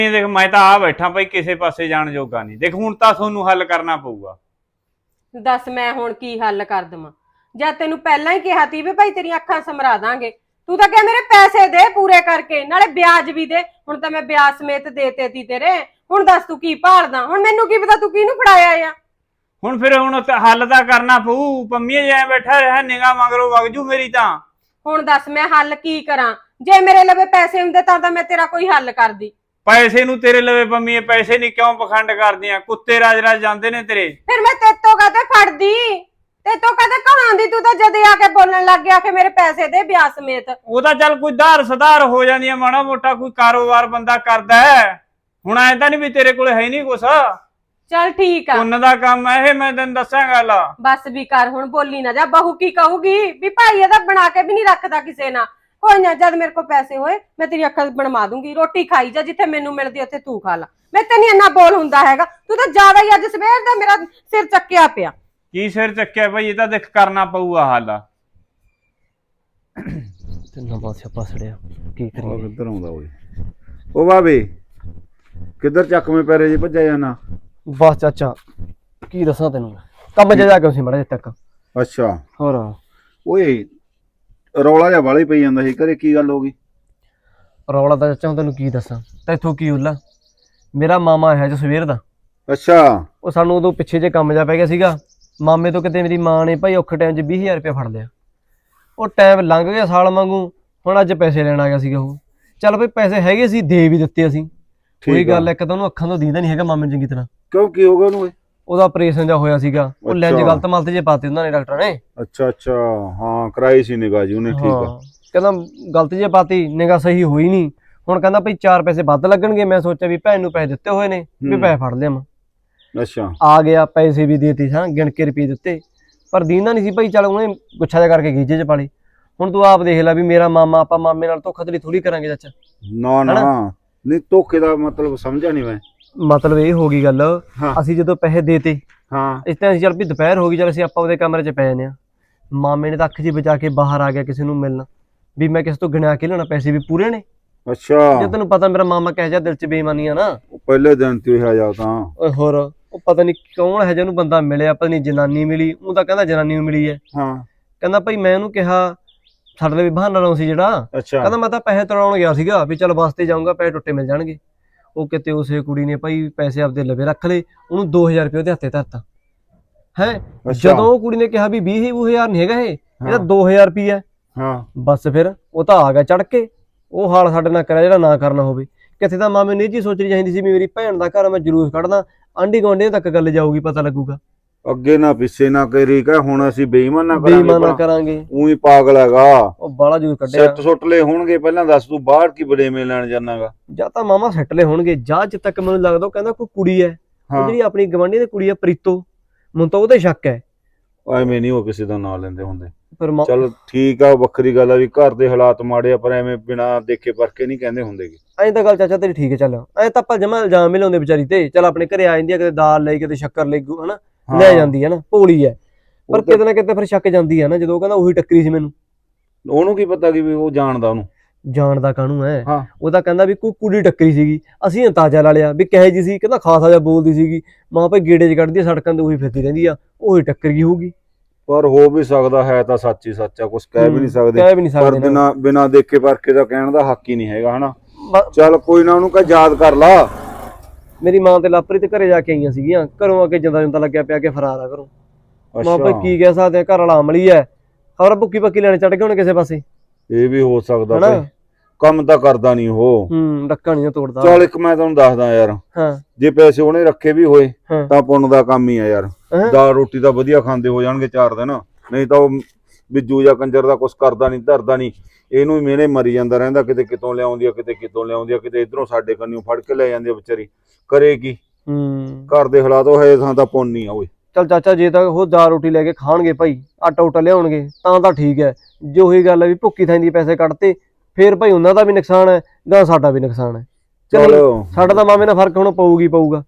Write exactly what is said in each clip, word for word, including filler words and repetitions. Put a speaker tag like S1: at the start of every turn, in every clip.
S1: देख मैं तो आ बैठा भाई किसी पासे जाने जोगा नहीं। देख हुण तां थोनू हल करना पऊगा।
S2: दस मैं हुण की हल कर देवां? जद तेनू पहलां ही कहा ती भी भाई तेरी अखां समरा दांगे, तू तां कह मेरे पैसे दे पूरे करके, नाले ब्याज भी दे। हुण तां मैं ब्याज समेत देते ती तेरे। हुण दस तू की भालदा? हुण मैनू की पता तू किहनू फड़ाया आ?
S1: हुण फिर हुण हल तां करना पऊ। पंमीए जाए बैठा रहा निगाह मगरों वग जू मेरी तां।
S2: हुण दस मैं हल की करा? जे मेरे लवे पैसे हुंदे तां तां मैं तेरा कोई हल करदी।
S1: पैसे नू तेरे लवे पंमीए पैसे नहीं क्यों पखंड करदियां? कुत्ते राज राज जांदे ने तेरे।
S2: फिर मैं तेतों काते फड़दी? तेतों काते कहांदी? तू तां जदे आके बोलण लग गया कि मेरे पैसे दे ब्याज समेत।
S1: ओदा चल कोई धार सुधार हो जांदी है, माड़ा मोटा कोई कारोबार बंदा करदा है। हुण ऐ तां नहीं भी तेरे कोल है नहीं कुछ।
S2: चल ठीक आ,
S1: पुन्न दा काम है ये, मैं तैनूं दस्सां गल।
S2: बस भी कर हुण, बोली ना जा। बहू की कहूगी भी भाई ਇਹਦਾ बना के भी नहीं रखदा किसे ना। कोई ना, जद मेरे को पैसे होए मैं तेरी अक्खां बनवा दूंगी। रोटी खाई जा, जिथे मैनू मिलदी उत्थे तू खा ला। मैं ते नहीं इन्ना बोल हुंदा हैगा। तू तो ज्यादा ही अज सवेर दा मेरा सिर चक्किया पिया।
S1: की सिर चक्किया भाई? ये तां देख करना पऊगा हल।
S3: ਤਿੰਨਾਂ ਪਾਸੇ ਪਸੜਿਆ ਕੀ
S4: ਉਹ
S3: ਕਰੀਏ।
S4: ਕਿੱਧਰ ਆਉਂਦਾ ਓਏ? ਉਹ ਬਾਬੇ ਕਿੱਧਰ ਚੱਕਵੇਂ ਪੈਰੇ ਜੀ ਭੱਜਿਆ ਜਾਣਾ?
S3: ਬਸ ਚਾਚਾ ਕੀ ਦੱਸਾਂ ਤੈਨੂੰ, ਕੰਮ 'ਚ ਜਾ ਕੇ ਸੀ ਮੜਾ ਜਿਹਾ ਤੱਕ।
S4: ਅੱਛਾ
S3: ਹੋਰ
S4: ਓਏ ਰੌਲਾ ਜਿਹਾ ਵਾਲੀ ਪਈ ਜਾਂਦਾ ਸੀ ਘਰੇ, ਕੀ ਗੱਲ ਹੋ ਗਈ?
S3: ਰੌਲਾ ਤਾਂ ਚਾਚਾ ਤੈਨੂੰ ਕੀ ਦੱਸਾਂ, ਤੈਥੋਂ ਕੀ ਹੁੱਲਾ। ਮੇਰਾ ਮਾਮਾ ਹੈ ਜੋ ਸਵੇਰ ਦਾ,
S4: ਅੱਛਾ
S3: ਉਹ ਸਾਨੂੰ ਉਦੋਂ ਪਿੱਛੇ ਜੇ ਕੰਮ ਜਾ ਪੈ ਗਿਆ ਸੀਗਾ। ਮਾਮੇ ਤੋਂ ਕਿਤੇ ਮੇਰੀ ਮਾਂ ਨੇ ਭਾਈ ਔਖੇ ਟਾਈਮ 'ਚ ਵੀਹ ਹਜ਼ਾਰ ਰੁਪਇਆ ਫੜ ਲਿਆ। ਉਹ ਟਾਈਮ ਲੰਘ ਗਿਆ ਸਾਲ ਵਾਂਗੂ, ਹੁਣ ਅੱਜ ਪੈਸੇ ਲੈਣ ਆ ਗਿਆ ਸੀਗਾ ਉਹ। ਚੱਲ ਭਾਈ ਪੈਸੇ ਹੈਗੇ ਸੀ, ਦੇ ਵੀ ਦਿੱਤੇ ਅਸੀਂ। ਕੋਈ ਗੱਲ ਇੱਕ ਤਾਂ ਉਹਨੂੰ ਅੱਖਾਂ ਤੋਂ ਦੀਦਾ ਨਹੀਂ ਹੈਗਾ ਮਾਮੇ ਨੂੰ ਚੰਗੀ ਤਰ੍ਹਾਂ।
S4: ਕਿਉਂ ਕੀ ਹੋ ਗਿਆ ਉਹਨੂੰ? ਓਏ
S3: ਉਹਦਾ ਆਪਰੇਸ਼ਨ ਜਾ ਹੋਇਆ ਸੀਗਾ, ਉਹ ਲੈਂਜ ਗਲਤ ਮਲਤ ਜੇ ਪਾਤੇ ਉਹਨਾਂ ਨੇ ਡਾਕਟਰਾਂ ਨੇ।
S4: ਅੱਛਾ ਅੱਛਾ ਹਾਂ ਕਰਾਈ ਸੀ ਨਿਗਾਹ ਜੀ ਉਹਨੇ, ਠੀਕ ਆ।
S3: ਕਹਿੰਦਾ ਗਲਤ ਜੇ ਪਾਤੀ, ਨਿਗਾਹ ਸਹੀ ਹੋਈ ਨਹੀਂ। ਹੁਣ ਕਹਿੰਦਾ ਭਾਈ ਚਾਰ ਪੈਸੇ ਵੱਧ ਲੱਗਣਗੇ। ਮੈਂ ਸੋਚਿਆ ਵੀ ਭੈਣ ਨੂੰ ਪੈਸੇ ਦਿੱਤੇ ਹੋਏ ਨੇ ਵੀ ਪੈਸੇ ਫੜ ਲਿਆਵਾਂ।
S4: ਅੱਛਾ
S3: ਆ ਗਿਆ, ਪੈਸੇ ਵੀ ਦੇਤੇ ਹਾਂ, ਗਿਣ ਕੇ ਰੁਪਏ ਦਿੱਤੇ, ਪਰ ਦੀਂਦਾ ਨਹੀਂ ਸੀ ਭਾਈ। ਚੱਲ ਉਹਨੇ ਗੁੱਛਾ ਜਿਹਾ ਕਰਕੇ ਗੀਜੇ 'ਚ ਪਾਲੇ। ਹੁਣ ਤੂੰ ਆਪ ਦੇਖ ਲੈ ਵੀ ਮੇਰਾ ਮਾਮਾ, ਆਪਾਂ ਮਾਮੇ ਨਾਲ ਧੋਖਾਧੜੀ ਥੋੜੀ ਕਰਾਂਗੇ ਚਾਚਾ।
S4: ਨਾ ਨਾ ਨਹੀਂ, ਧੋਖੇ ਦਾ ਮਤਲਬ ਸਮਝਿਆ ਨਹੀਂ ਮੈਂ।
S3: ਮਤਲਬ ਇਹ ਹੋ ਗਈ ਗੱਲ,
S4: ਹਾਂ।
S3: ਅਸੀਂ ਜਦੋਂ ਪੈਸੇ ਦੇਤੇ
S4: ਹਾਂ
S3: ਇਸ ਤਰ੍ਹਾਂ ਅਸੀਂ ਚੱਲ ਵੀ ਦੁਪਹਿਰ ਹੋ ਗਈ, ਚੱਲ ਅਸੀਂ ਆਪਾਂ ਉਹਦੇ ਕਮਰੇ 'ਚ ਪੈ ਜਾਂਦੇ ਹਾਂ। ਮਾਮੇ ਨੇ ਤਾਂ ਅੱਖ ਜੀ ਬਚਾ ਕੇ ਬਾਹਰ ਆ ਗਿਆ ਕਿਸੇ ਨੂੰ ਮਿਲਣ, ਵੀ ਮੈਂ ਕਿਸੇ ਤੋਂ ਗਿਣਿਆ ਕੇ ਲੈਣਾ, ਪੈਸੇ ਵੀ ਪੂਰੇ ਨੇ।
S4: ਅੱਛਾ
S3: ਜੇ ਤੈਨੂੰ ਪਤਾ ਮੇਰਾ ਮਾਮਾ ਕਹਿ ਜਾ ਦਿਲ 'ਚ ਬੇਈਮਾਨੀ ਆ ਨਾ।
S4: ਪਹਿਲੇ ਦਿਨ ਤੇ ਹੋਇਆ ਜਾ ਤਾਂ।
S3: ਓਏ ਹੋਰ ਉਹ ਪਤਾ ਨਹੀਂ ਕੌਣ ਹੈ ਜਿਹਨੂੰ ਬੰਦਾ ਮਿਲਿਆ, ਪਤਾ ਨਹੀਂ ਜਨਾਨੀ ਮਿਲੀ। ਉਹ ਤਾਂ ਕਹਿੰਦਾ ਜਨਾਨੀ ਨੂੰ ਮਿਲੀ ਹੈ।
S4: ਹਾਂ
S3: ਕਹਿੰਦਾ ਭਾਈ ਮੈਂ ਉਹਨੂੰ ਕਿਹਾ, ਸਾਡੇ ਲਈ ਬਹਾਨਾ ਲਾਉਂ ਸੀ ਜਿਹੜਾ।
S4: ਅੱਛਾ
S3: ਕਹਿੰਦਾ ਮੈਂ ਤਾਂ ਪੈਸੇ ਤੜਾਉਣ ਗਿਆ ਸੀਗਾ ਵੀ ਚੱਲ ਵਾਸਤੇ ਜਾਊਂਗਾ, ਪੈਸੇ ਟੁੱਟੇ ਮਿਲ ਜਾਣਗੇ। ਉਹ ਕਿਤੇ ਉਸੇ ਕੁੜੀ ਨੇ ਭਾਈ ਪੈਸੇ ਆਪਦੇ ਲਵੇ ਰੱਖ ਲਏ, ਉਹਨੂੰ ਦੋ ਹਜ਼ਾਰ ਰੁਪਏ ਉਹਦੇ ਹੱਥੇ ਧਰਤਾ ਹੈ। ਜਦੋਂ ਉਹ ਕੁੜੀ ਨੇ ਕਿਹਾ ਵੀ ਵੀਹ ਹਜ਼ਾਰ ਨਹੀਂ ਹੈਗਾ ਇਹ, ਇਹਦਾ ਦੋ ਹਜ਼ਾਰ ਰੁਪਈਆ।
S4: ਹਾਂ
S3: ਬਸ ਫਿਰ ਉਹ ਤਾਂ ਆ ਗਿਆ ਚੜ ਕੇ। ਉਹ ਹਾਲ ਸਾਡੇ ਨਾਲ ਕਰਿਆ ਜਿਹੜਾ ਨਾ ਕਰਨਾ ਹੋਵੇ। ਕਿੱਥੇ ਤਾਂ ਮਾਮੇ ਨੂੰ ਇਹ ਚੀਜ਼ ਸੋਚਣੀ ਚਾਹੀਦੀ ਸੀ ਵੀ ਮੇਰੀ ਭੈਣ ਦਾ ਘਰ, ਮੈਂ ਜਲੂਸ ਕੱਢਦਾ, ਆਂਢੀ ਗੁਆਂਢੀਆਂ ਤੱਕ ਗੱਲ ਜਾਊਗੀ, ਪਤਾ ਲੱਗੂਗਾ।
S4: ਅੱਗੇ ਨਾ ਪਿੱਛੇ ਨਾ ਕਰੀ ਕਹ, ਹੁਣ ਅਸੀਂ ਬੇਈਮਾਨ ਨਾ
S3: ਬੇਈਮਾਨ ਨਾ ਕਰਾਂਗੇ।
S4: ਉਹੀ ਪਾਗਲ ਹੈਗਾ,
S3: ਉਹ ਬਾਲਾ ਜਲੂਸ ਕੱਢਿਆ।
S4: ਸਿੱਟ ਸੁੱਟਲੇ ਹੋਣਗੇ। ਪਹਿਲਾਂ ਦੱਸ ਤੂੰ ਬਾਹਰ ਕੀ ਬੜੇਵੇਂ ਲੈਣ ਜਾਣਾਗਾ?
S3: ਜਾਂ ਤਾਂ ਮਾਮਾ ਸੱਟਲੇ ਹੋਣਗੇ, ਜਾਂ ਜਿੱਦ ਤੱਕ ਮੈਨੂੰ ਲੱਗਦਾ ਉਹ ਕਹਿੰਦਾ ਕੋਈ ਕੁੜੀ ਹੈ, ਜਿਹੜੀ ਆਪਣੀ ਗਵਾਂਢੀ ਦੀ ਕੁੜੀ ਹੈ ਪ੍ਰੀਤੋ, ਮੈਨੂੰ ਤਾਂ ਉਹਦੇ ਸ਼ੱਕ ਹੈ।
S4: ਐਵੇਂ ਨਹੀਂ ਉਹ ਕਿਸੇ ਦਾ ਨਾਂ ਲੈਂਦੇ ਹੁੰਦੇ।
S3: ਪਰ
S4: ਚਲ ਠੀਕ ਆ, ਵੱਖਰੀ ਗੱਲ ਆ ਵੀ ਘਰ ਦੇ ਹਾਲਾਤ ਮਾੜੇ ਆ, ਪਰ ਐਵੇਂ ਬਿਨਾ ਦੇਖੇ ਪਰਖੇ ਨਹੀਂ ਕਹਿੰਦੇ ਹੁੰਦੇਗੇ।
S3: ਐਂ ਤਾਂ ਗੱਲ ਚਾਚਾ ਤੇਰੀ ਠੀਕ ਹੈ। ਚੱਲ ਐਂ ਤਾਂ ਆਪਾਂ ਜਮਾ ਇਲਜ਼ਾਮ ਹੀ ਲਾਉਂਦੇ ਵਿਚਾਰੀ ਤੇ। ਚੱਲ ਆਪਣੇ ਘਰੇ ਆ ਜਾਂਦੀ ਆ, ਕਿਤੇ ਦਾਲ ਲਈ, ਕਿਤੇ ਸ਼ੱਕਰ ਲਈ, ਹਨਾ ਲੈ ਜਾਂਦੀ ਹੈ ਨਾ, ਭੋਲੀ ਹੈ। ਪਰ ਕਿਤੇ ਨਾ ਕਿਤੇ ਫਿਰ ਸ਼ੱਕ ਜਾਂਦੀ ਹੈ ਨਾ, ਜਦੋਂ ਉਹ ਕਹਿੰਦਾ ਉਹੀ ਟੱਕਰੀ ਸੀ ਮੈਨੂੰ।
S4: ਉਹਨੂੰ ਕੀ ਪਤਾ ਕਿ ਵੀ ਉਹ ਜਾਣਦਾ ਉਹਨੂੰ?
S3: ਜਾਣਦਾ ਕਾਹਨੂੰ ਹੈ,
S4: ਹਾਂ।
S3: ਉਹ ਤਾਂ ਕਹਿੰਦਾ ਵੀ ਕੋਈ ਕੁੜੀ ਟੱਕਰੀ ਸੀਗੀ। ਅਸੀਂ ਅੰਦਾਜ਼ਾ ਲਾ ਲਿਆ ਵੀ ਕਹੇ ਜੀ ਸੀ। ਕਹਿੰਦਾ ਖਾਸਾ ਜਿਹਾ ਬੋਲਦੀ ਸੀਗੀ, ਮਾਂ ਭਾਈ ਗੇੜੇ 'ਚ ਕੱਢਦੀ ਆ, ਸੜਕਾਂ ਤੇ ਉਹੀ ਫਿਰਦੀ ਰਹਿੰਦੀ ਆ, ਉਹੀ ਟੱਕਰ ਗਈ ਹੋਊਗੀ।
S4: ਪਰ ਹੋ ਵੀ ਸਕਦਾ ਹੈ, ਤਾਂ ਸੱਚ ਹੀ ਸੱਚ ਆ, ਕੁਛ ਕਹਿ ਵੀ ਨਹੀਂ ਸਕਦੇ।
S3: ਕਹਿ ਵੀ ਨਹੀਂ
S4: ਪਰ
S3: ਸਕਦੇ
S4: ਬਿਨਾ ਬਿਨਾ ਦੇਖੇ ਪਰਖੇ ਦਾ ਕਹਿਣ ਦਾ ਹੱਕ ਹੀ ਨਹੀਂ ਹੈਗਾ, ਹਨਾ। ਚੱਲ ਕੋਈ ਨਾ, ਉਹਨੂੰ ਕਹ ਯਾਦ ਕਰ ਲਾ।
S3: ਮੇਰੀ ਮਾਂ ਤੇ ਲਾਪਰੀ ਤੇ ਘਰੇ ਜਾ ਕੇ ਆਈਆਂ ਸੀਗੀਆਂ, ਘਰੋਂ ਆ ਕੇ ਜਿੰਦਾ ਜਿੰਦਾ ਲੱਗਿਆ ਪਿਆ ਕਿ ਫਰਾਰ ਆ ਘਰੋਂ। ਮਾਂ ਭਾਈ ਕੀ ਕਹਿ ਸਕਦੇ ਆ, ਘਰ ਵਾਲਾ ਅਮਲੀ ਹੈ, ਖਬਰ ਭੁੱਕੀ ਪੱਕੀ ਲੈਣੇ ਚੜ ਗਏ ਹੋਣੇ ਕਿਸੇ ਪਾਸੇ।
S4: ਇਹ ਵੀ ਹੋ ਸਕਦਾ ਭਾਈ, ਕੰਮ ਤਾਂ ਕਰਦਾ ਨਹੀਂ ਉਹ।
S3: ਹੂੰ ਡੱਕਾ ਨਹੀਂ ਤੋੜਦਾ।
S4: ਚੱਲ ਇੱਕ ਮੈਂ ਤੁਹਾਨੂੰ ਦੱਸਦਾ ਯਾਰ,
S3: ਹਾਂ
S4: ਜੇ ਪੈਸੇ ਉਹਨੇ ਰੱਖੇ ਵੀ ਹੋਏ
S3: ਹਾਂ।
S4: ਤਾਂ ਪੁੰਨ ਦਾ ਕੰਮ ਹੀ ਆ ਯਾਰ। ਦਾਲ ਰੋਟੀ ਤਾਂ ਵਧੀਆ ਖਾਂਦੇ ਹੋ ਜਾਣਗੇ ਚਾਰ ਦਿਨ, ਨਹੀਂ ਤਾਂ ਉਹ ਬਿੱਜੂ ਜਾਂ ਕੰਜਰ ਦਾ ਕੁਛ ਕਰਦਾ ਨਹੀਂ, ਧਰਦਾ ਨਹੀਂ। ਇਹਨੂੰ ਹੀ ਮਿਹਣੇ ਮਰੀ ਜਾਂਦਾ ਰਹਿੰਦਾ, ਕਿਤੇ ਕਿਤੋਂ ਲਿਆਉਂਦੀ ਆ, ਕਿਤੇ ਕਿਤੋਂ ਲਿਆਉਂਦੀ ਆ, ਕਿਤੇ ਇਧਰੋਂ ਸਾਡੇ ਕੰਨਿਓ ਫੜ ਕੇ ਲੈ ਜਾਂਦੀ ਆ ਵਿਚਾਰੀ। ਕਰੇ ਕੀ?
S3: ਹੂੰ
S4: ਘਰ ਦੇ ਹਾਲਾਤ ਉਹ ਹੈ ਥਾਂ ਤਾਂ ਪੁੰਨ ਹੀ ਆ ਓਏ।
S3: ਚੱਲ ਚਾਚਾ ਜੇ ਤਾਂ ਉਹ ਦਾਲ ਰੋਟੀ ਲੈ ਕੇ ਖਾਣਗੇ ਭਾਈ, ਆਟਾ ਉਟਾ ਲਿਆਉਣਗੇ ਤਾਂ ਤਾਂ ਠੀਕ ਹੈ। ਜੇ ਉਹੀ ਗੱਲ ਹੈ ਵੀ ਭੁੱਕੀ ਥਾਂ ਦੀ ਪੈਸੇ ਕੱਢਤੇ, ਫੇਰ ਭਾਈ ਉਹਨਾਂ ਦਾ ਵੀ ਨੁਕਸਾਨ ਹੈ, ਗਾਂ ਸਾਡਾ ਵੀ ਨੁਕਸਾਨ ਹੈ। ਚਲੋ ਸਾਡਾ ਤਾਂ ਮਾਮੇ ਨਾਲ ਫਰਕ ਹੁਣ ਪਊਗੀ ਪਊਗਾ।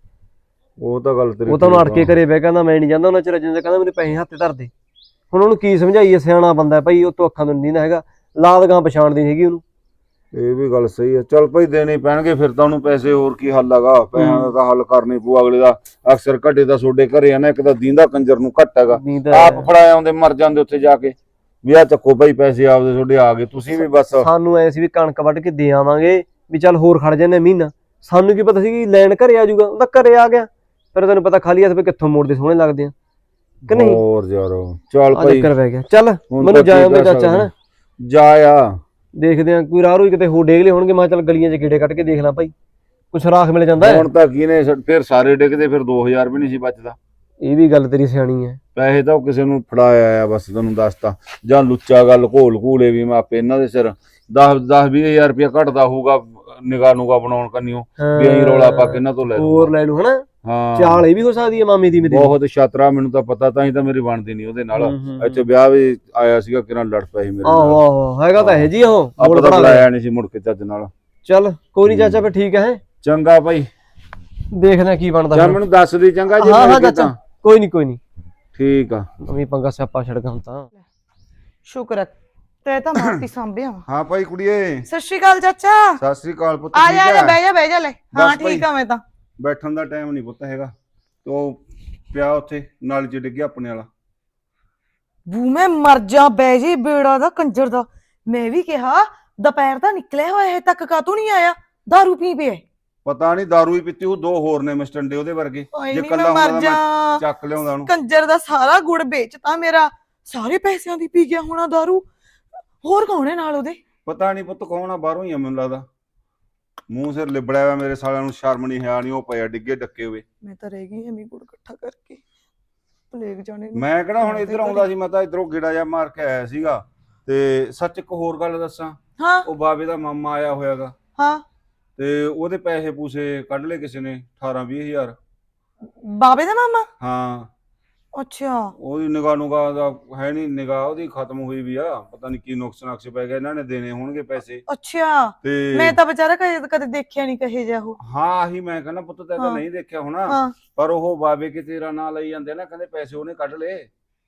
S4: ਉਹ ਤਾਂ ਗੱਲ ਤੇਰੀ,
S3: ਉਹ ਤਾਂ ਅੜ ਕੇ ਘਰੇ ਬਹਿ ਕਹਿੰਦਾ ਮੈਂ ਨਹੀਂ ਜਾਂਦਾ ਉਹਨਾਂ ਚਿਰ, ਜਿੰਦਾ ਕਹਿੰਦਾ ਮੇਰੇ ਪੈਸੇ ਹੱਥੇ ਧਰ ਦੇ। ਹੁਣ ਉਹਨੂੰ ਕੀ ਸਮਝਾਈਏ, ਸਿਆਣਾ ਬੰਦਾ ਭਾਈ, ਉਹ ਤੋਂ ਅੱਖਾਂ ਤੋਂ ਨਹੀਂ ਹੈਗਾ, ਲਾਦ ਗਾਂ ਪਛਾਣਦੀ ਹੈਗੀ ਉਹਨੂੰ।
S4: ਇਹ ਵੀ ਗੱਲ ਸਹੀ ਹੈ। ਚੱਲ ਭਾਈ ਦੇਣੇ ਪੈਣਗੇ ਫਿਰ ਤਾਂ ਉਹਨੂੰ ਪੈਸੇ, ਹੋਰ ਕੀ ਹੱਲ ਹੈਗਾ, ਪੈਸਿਆਂ ਦਾ ਤਾਂ ਹੱਲ ਕਰਨੀ ਪਊ। ਅਗਲੇ ਦਾ ਅਕਸਰ ਘੱਟੇ ਦਾ ਤੁਹਾਡੇ ਘਰੇ ਆ ਨਾ, ਇੱਕ ਤਾਂ ਦੀਂਦਾ ਕੰਜਰ ਨੂੰ ਘੱਟ ਹੈਗਾ, ਆਪ ਫੜਾ ਆਉਂਦੇ ਮਰ ਜਾਂਦੇ ਉੱਥੇ ਜਾ ਕੇ ਵੀ ਆ ਚੱਕੋ ਭਾਈ ਪੈਸੇ ਆਪਦੇ ਤੁਹਾਡੇ ਆ ਗਏ, ਤੁਸੀਂ ਵੀ ਬਸ।
S3: ਸਾਨੂੰ ਐ ਸੀ ਵੀ ਕਣਕ ਵੱਢ ਕੇ ਦੇ ਆਵਾਂਗੇ ਵੀ ਚੱਲ ਹੋਰ ਖੜ ਜਾਂਦੇ ਮਹੀਨਾ, ਸਾਨੂੰ ਕੀ ਪਤਾ ਸੀ ਕਿ ਲੈਣ ਘਰੇ ਆ ਜਾਊਗਾ, ਉਹ ਤਾਂ ਘਰੇ ਆ ਗਿਆ। ਫਿਰ ਤੈਨੂੰ ਪਤਾ ਖਾਲੀ ਹੱਥ ਵੀ ਕਿੱਥੋਂ ਮੋੜਦੇ ਸੋਹਣੇ ਲੱਗਦੇ ਆ ਕਿ ਨਹੀਂ।
S4: ਹੋਰ ਯਾਰ ਚੱਲ
S3: ਆ
S4: ਭਾਈ
S3: ਚੱਕਰ ਪੈ ਗਿਆ। ਚੱਲ ਮੈਨੂੰ ਜਾ ਆਉਂਦੇ ਚਾਚਾ, ਹਨਾ
S4: ਜਾ ਆ
S3: ਦੇਖਦੇ ਆ ਕੋਈ ਰਾਹ ਰੂਈ ਕਿਤੇ ਹੋ ਡੇਗ ਲਏ ਹੋਣਗੇ। ਮੈਂ ਚੱਲ ਗਲੀਆਂ 'ਚ ਗੇੜੇ ਕੱਢ ਕੇ ਦੇਖ ਲਾਂ ਭਾਈ, ਕੁਛ ਰਾਖ ਮਿਲ ਜਾਂਦਾ ਹੈ।
S4: ਹੁਣ ਤਾਂ ਕੀ ਨੇ ਫਿਰ ਸਾਰੇ ਡਿੱਗਦੇ, ਫਿਰ ਦੋ ਹਜ਼ਾਰ ਵੀ ਨਹੀਂ ਸੀ ਬਚਦਾ।
S3: ਇਹ ਵੀ ਗੱਲ ਤੇਰੀ ਸਿਆਣੀ ਹੈ।
S4: ਪੈਸੇ ਤਾਂ ਉਹ ਕਿਸੇ ਨੂੰ ਫੜਾਇਆ ਆ ਬਸ, ਤੈਨੂੰ ਦੱਸਤਾ। ਜਾਂ ਲੁੱਚਾ ਗੱਲ ਘੋਲ ਘੂਲੇ ਵੀ ਮੈਂ ਆਪੇ ਇਹਨਾਂ ਦੇ ਸਿਰ ਦਸ ਦਸ ਵੀਹ ਹਜ਼ਾਰ ਰੁਪਇਆ ਘਟਦਾ ਹੋਊਗਾ ਨਿਗਾਹ ਨੂਗਾ ਬਣਾਉਣ ਕੰਨਿਓ ਵੀ ਅਸੀਂ ਰੌਲਾ ਪਾ ਕੇ ਇਹਨਾਂ ਤੋਂ ਲੈ
S3: ਹੋਰ ਲੈ ਲੂ ਹਨਾ।
S4: ਹਾਂ
S3: ਚਾਲ ਇਹ ਵੀ ਹੋ ਸਕਦੀ ਹੈ ਮਾਮੇ ਦੀ ਮੇਰੀ।
S4: ਬਹੁਤ ਛਾਤਰਾ, ਮੈਨੂੰ ਤਾਂ ਪਤਾ, ਤਾਂ ਹੀ ਤਾਂ ਮੇਰੀ ਬਣਦੀ ਨਹੀਂ ਉਹਦੇ ਨਾਲ। ਇੱਥੇ ਵਿਆਹ ਵੀ ਆਇਆ ਸੀਗਾ, ਕਿਰਾਂ ਲੜ ਪਏ ਸੀ ਮੇਰੇ ਨਾਲ।
S3: ਆਹੋ ਆਹੋ ਹੈਗਾ ਤਾਂ ਇਹ ਜੀ ਉਹ
S4: ਆਪਾਂ ਤਾਂ ਬੁਲਾਇਆ ਨਹੀਂ ਸੀ ਮੁੜ ਕੇ ਚੱਜ ਨਾਲ।
S3: ਚੱਲ ਕੋਈ ਨਹੀਂ ਚਾਚਾ, ਫਿਰ ਠੀਕ ਹੈ।
S4: ਚੰਗਾ ਭਾਈ,
S3: ਦੇਖਦੇ ਆ ਕੀ ਬਣਦਾ।
S4: ਜਾਂ ਮੈਨੂੰ ਦੱਸ ਦੀ ਚੰਗਾ ਜੀ।
S3: ਹਾਂ ਹਾਂ ਚਾਚਾ, ਕੋਈ ਨਹੀਂ ਕੋਈ ਨਹੀਂ,
S4: ਠੀਕ ਆ।
S3: ਨਵੀਂ ਪੰਗਾ ਸਿਆਪਾ ਛੜਗਾ ਹੁਣ ਤਾਂ।
S5: ਸ਼ੁਕਰ ਹੈ ਤੇ ਤਾਂ ਮਾਰਤੀ ਸਾਂਭਿਆ।
S4: ਹਾਂ ਭਾਈ ਕੁੜੀਏ,
S5: ਸਤਿ ਸ਼੍ਰੀ ਅਕਾਲ ਚਾਚਾ।
S4: ਸਤਿ ਸ੍ਰੀ ਅਕਾਲ ਪੁੱਤ।
S5: ਆ ਜਾ, ਆ ਜਾ, ਬਹਿ ਜਾ ਬਹਿ ਜਾ ਲੈ। ਹਾਂ
S4: ਬਸ ਭਾਈ।
S5: ਠੀਕ ਆ ਮੈਂ ਤਾਂ।
S4: ਬੈਠਣ ਦਾ ਟਾਈਮ ਨਹੀਂ ਪੁੱਤ ਹੈਗਾ, ਤੋ ਪਿਆ ਉੱਥੇ ਨਾਲੀ 'ਚ ਡਿੱਗਿਆ ਆਪਣੇ ਵਾਲਾ।
S5: ਬੂ ਮੈਂ ਮਰ ਜਾ, ਬਹਿ ਜੀ ਬੇੜਾ ਦਾ ਕੰਜਰ ਦਾ। ਮੈਂ ਵੀ ਕਿਹਾ ਦੁਪਹਿਰ ਦਾ ਨਿਕਲਿਆ ਹੋਇਆ ਹੈ, ਤੱਕ ਕਾਤੋਂ ਨਹੀਂ ਆਇਆ, ਦਾਰੂ ਪੀ ਪਿਆ।
S4: ਪਤਾ ਨਹੀਂ ਦਾਰੂ ਹੀ ਪੀਤੀ ਉਹ, ਦੋ ਹੋਰ ਨੇ ਮਿਸਟੰਡੇ ਉਹਦੇ ਵਰਗੇ।
S5: ਓਏ
S4: ਜੇ
S5: ਨੀ
S4: ਕੱਲਾ
S5: ਮੈਂ ਮਰ
S4: ਹੁੰਦਾ
S5: ਜਾ,
S4: ਮੈਂ ਚੱਕ ਲਿਆਉਂਦਾ ਉਹਨੂੰ।
S5: ਕੰਜਰ ਦਾ ਸਾਰਾ ਗੁੜ ਵੇਚਤਾ ਮੇਰਾ, ਸਾਰੇ ਪੈਸਿਆਂ ਦੀ ਪੀ ਗਿਆ ਹੋਣਾ ਦਾਰੂ। ਹੋਰ ਕੌਣ ਹੈ ਨਾਲ ਉਹਦੇ?
S4: ਪਤਾ ਨਹੀਂ ਪੁੱਤ ਕੌਣ ਆ, ਬਾਹਰੋਂ ਹੀ ਆ ਮੈਨੂੰ ਲੱਗਦਾ। ਮੂੰਹ ਸਿਰ ਲਿਬੜਿਆ ਹੋਇਆ, ਮੇਰੇ ਸਾਲਿਆਂ ਨੂੰ ਸ਼ਰਮ ਨਹੀਂ ਹੈ ਨਹੀਂ, ਉਹ ਪਿਆ ਡਿੱਗੇ ਡੱਕੇ ਹੋਏ।
S5: ਮੈਂ ਤਾਂ ਰਹਿ ਗਈ ਐਵੇਂ ਗੁੜ ਇਕੱਠਾ ਕਰਕੇ ਭਲੇਗ ਜਾਣੇ ਨੂੰ।
S4: ਮੈਂ ਕਿਹੜਾ ਹੁਣ ਇੱਧਰ ਆਉਂਦਾ ਸੀ, ਮੈਂ ਤਾਂ ਇੱਧਰੋਂ ਗੇੜਾ ਜਿਹਾ ਮਾਰ ਕੇ ਆਇਆ ਸੀਗਾ। ਤੇ ਸੱਚ ਇੱਕ ਹੋਰ ਗੱਲ ਦੱਸਾਂ,
S5: ਹਾਂ
S4: ਉਹ ਬਾਬੇ ਦਾ ਮਾਮਾ ਆਇਆ ਹੋਇਆਗਾ,
S5: ਹਾਂ।
S4: ਤੇ ਉਹਦੇ ਪੈਸੇ ਪੂਸੇ ਕੱਢ ਲਏ ਕਿਸੇ ਨੇ ਅਠਾਰਾਂ ਵੀਹ ਹਜ਼ਾਰ।
S5: ਬਾਬੇ ਦਾ ਮਾਮਾ?
S4: ਹਾਂ
S5: ਅੱਛਾ।
S4: ਉਹਦੀ ਨਿਗਾਹ ਨੂਗਾਹ ਦਾ ਹੈ ਨਹੀਂ, ਨਿਗਾਹ ਉਹਦੀ ਖਤਮ ਹੋਈ ਵੀ ਆ, ਪਤਾ ਨਹੀਂ ਕੀ ਨੁਕਸ ਨਕਸ਼ ਪੈ ਗਿਆ, ਇਹਨਾਂ ਨੇ ਦੇਣੇ ਹੋਣਗੇ ਪੈਸੇ।
S5: ਅੱਛਾ,
S4: ਤੇ
S5: ਮੈਂ ਤਾਂ ਵਿਚਾਰਾ ਕਦੇ ਕਦੇ ਦੇਖਿਆ ਨਹੀਂ ਕਹੇ ਜਾ ਉਹ।
S4: ਹਾਂ ਆਹੀ ਮੈਂ ਕਹਿੰਦਾ ਪੁੱਤ, ਤੈਂ ਤਾਂ ਨਹੀਂ ਦੇਖਿਆ ਹੋਣਾ,
S5: ਹਾਂ
S4: ਪਰ ਉਹ ਬਾਬੇ ਕੇ ਤੇਰਾ ਨਾਂ ਲਈ ਜਾਂਦੇ ਨਾ, ਕਹਿੰਦੇ ਪੈਸੇ ਉਹਨੇ ਕੱਢ ਲਏ।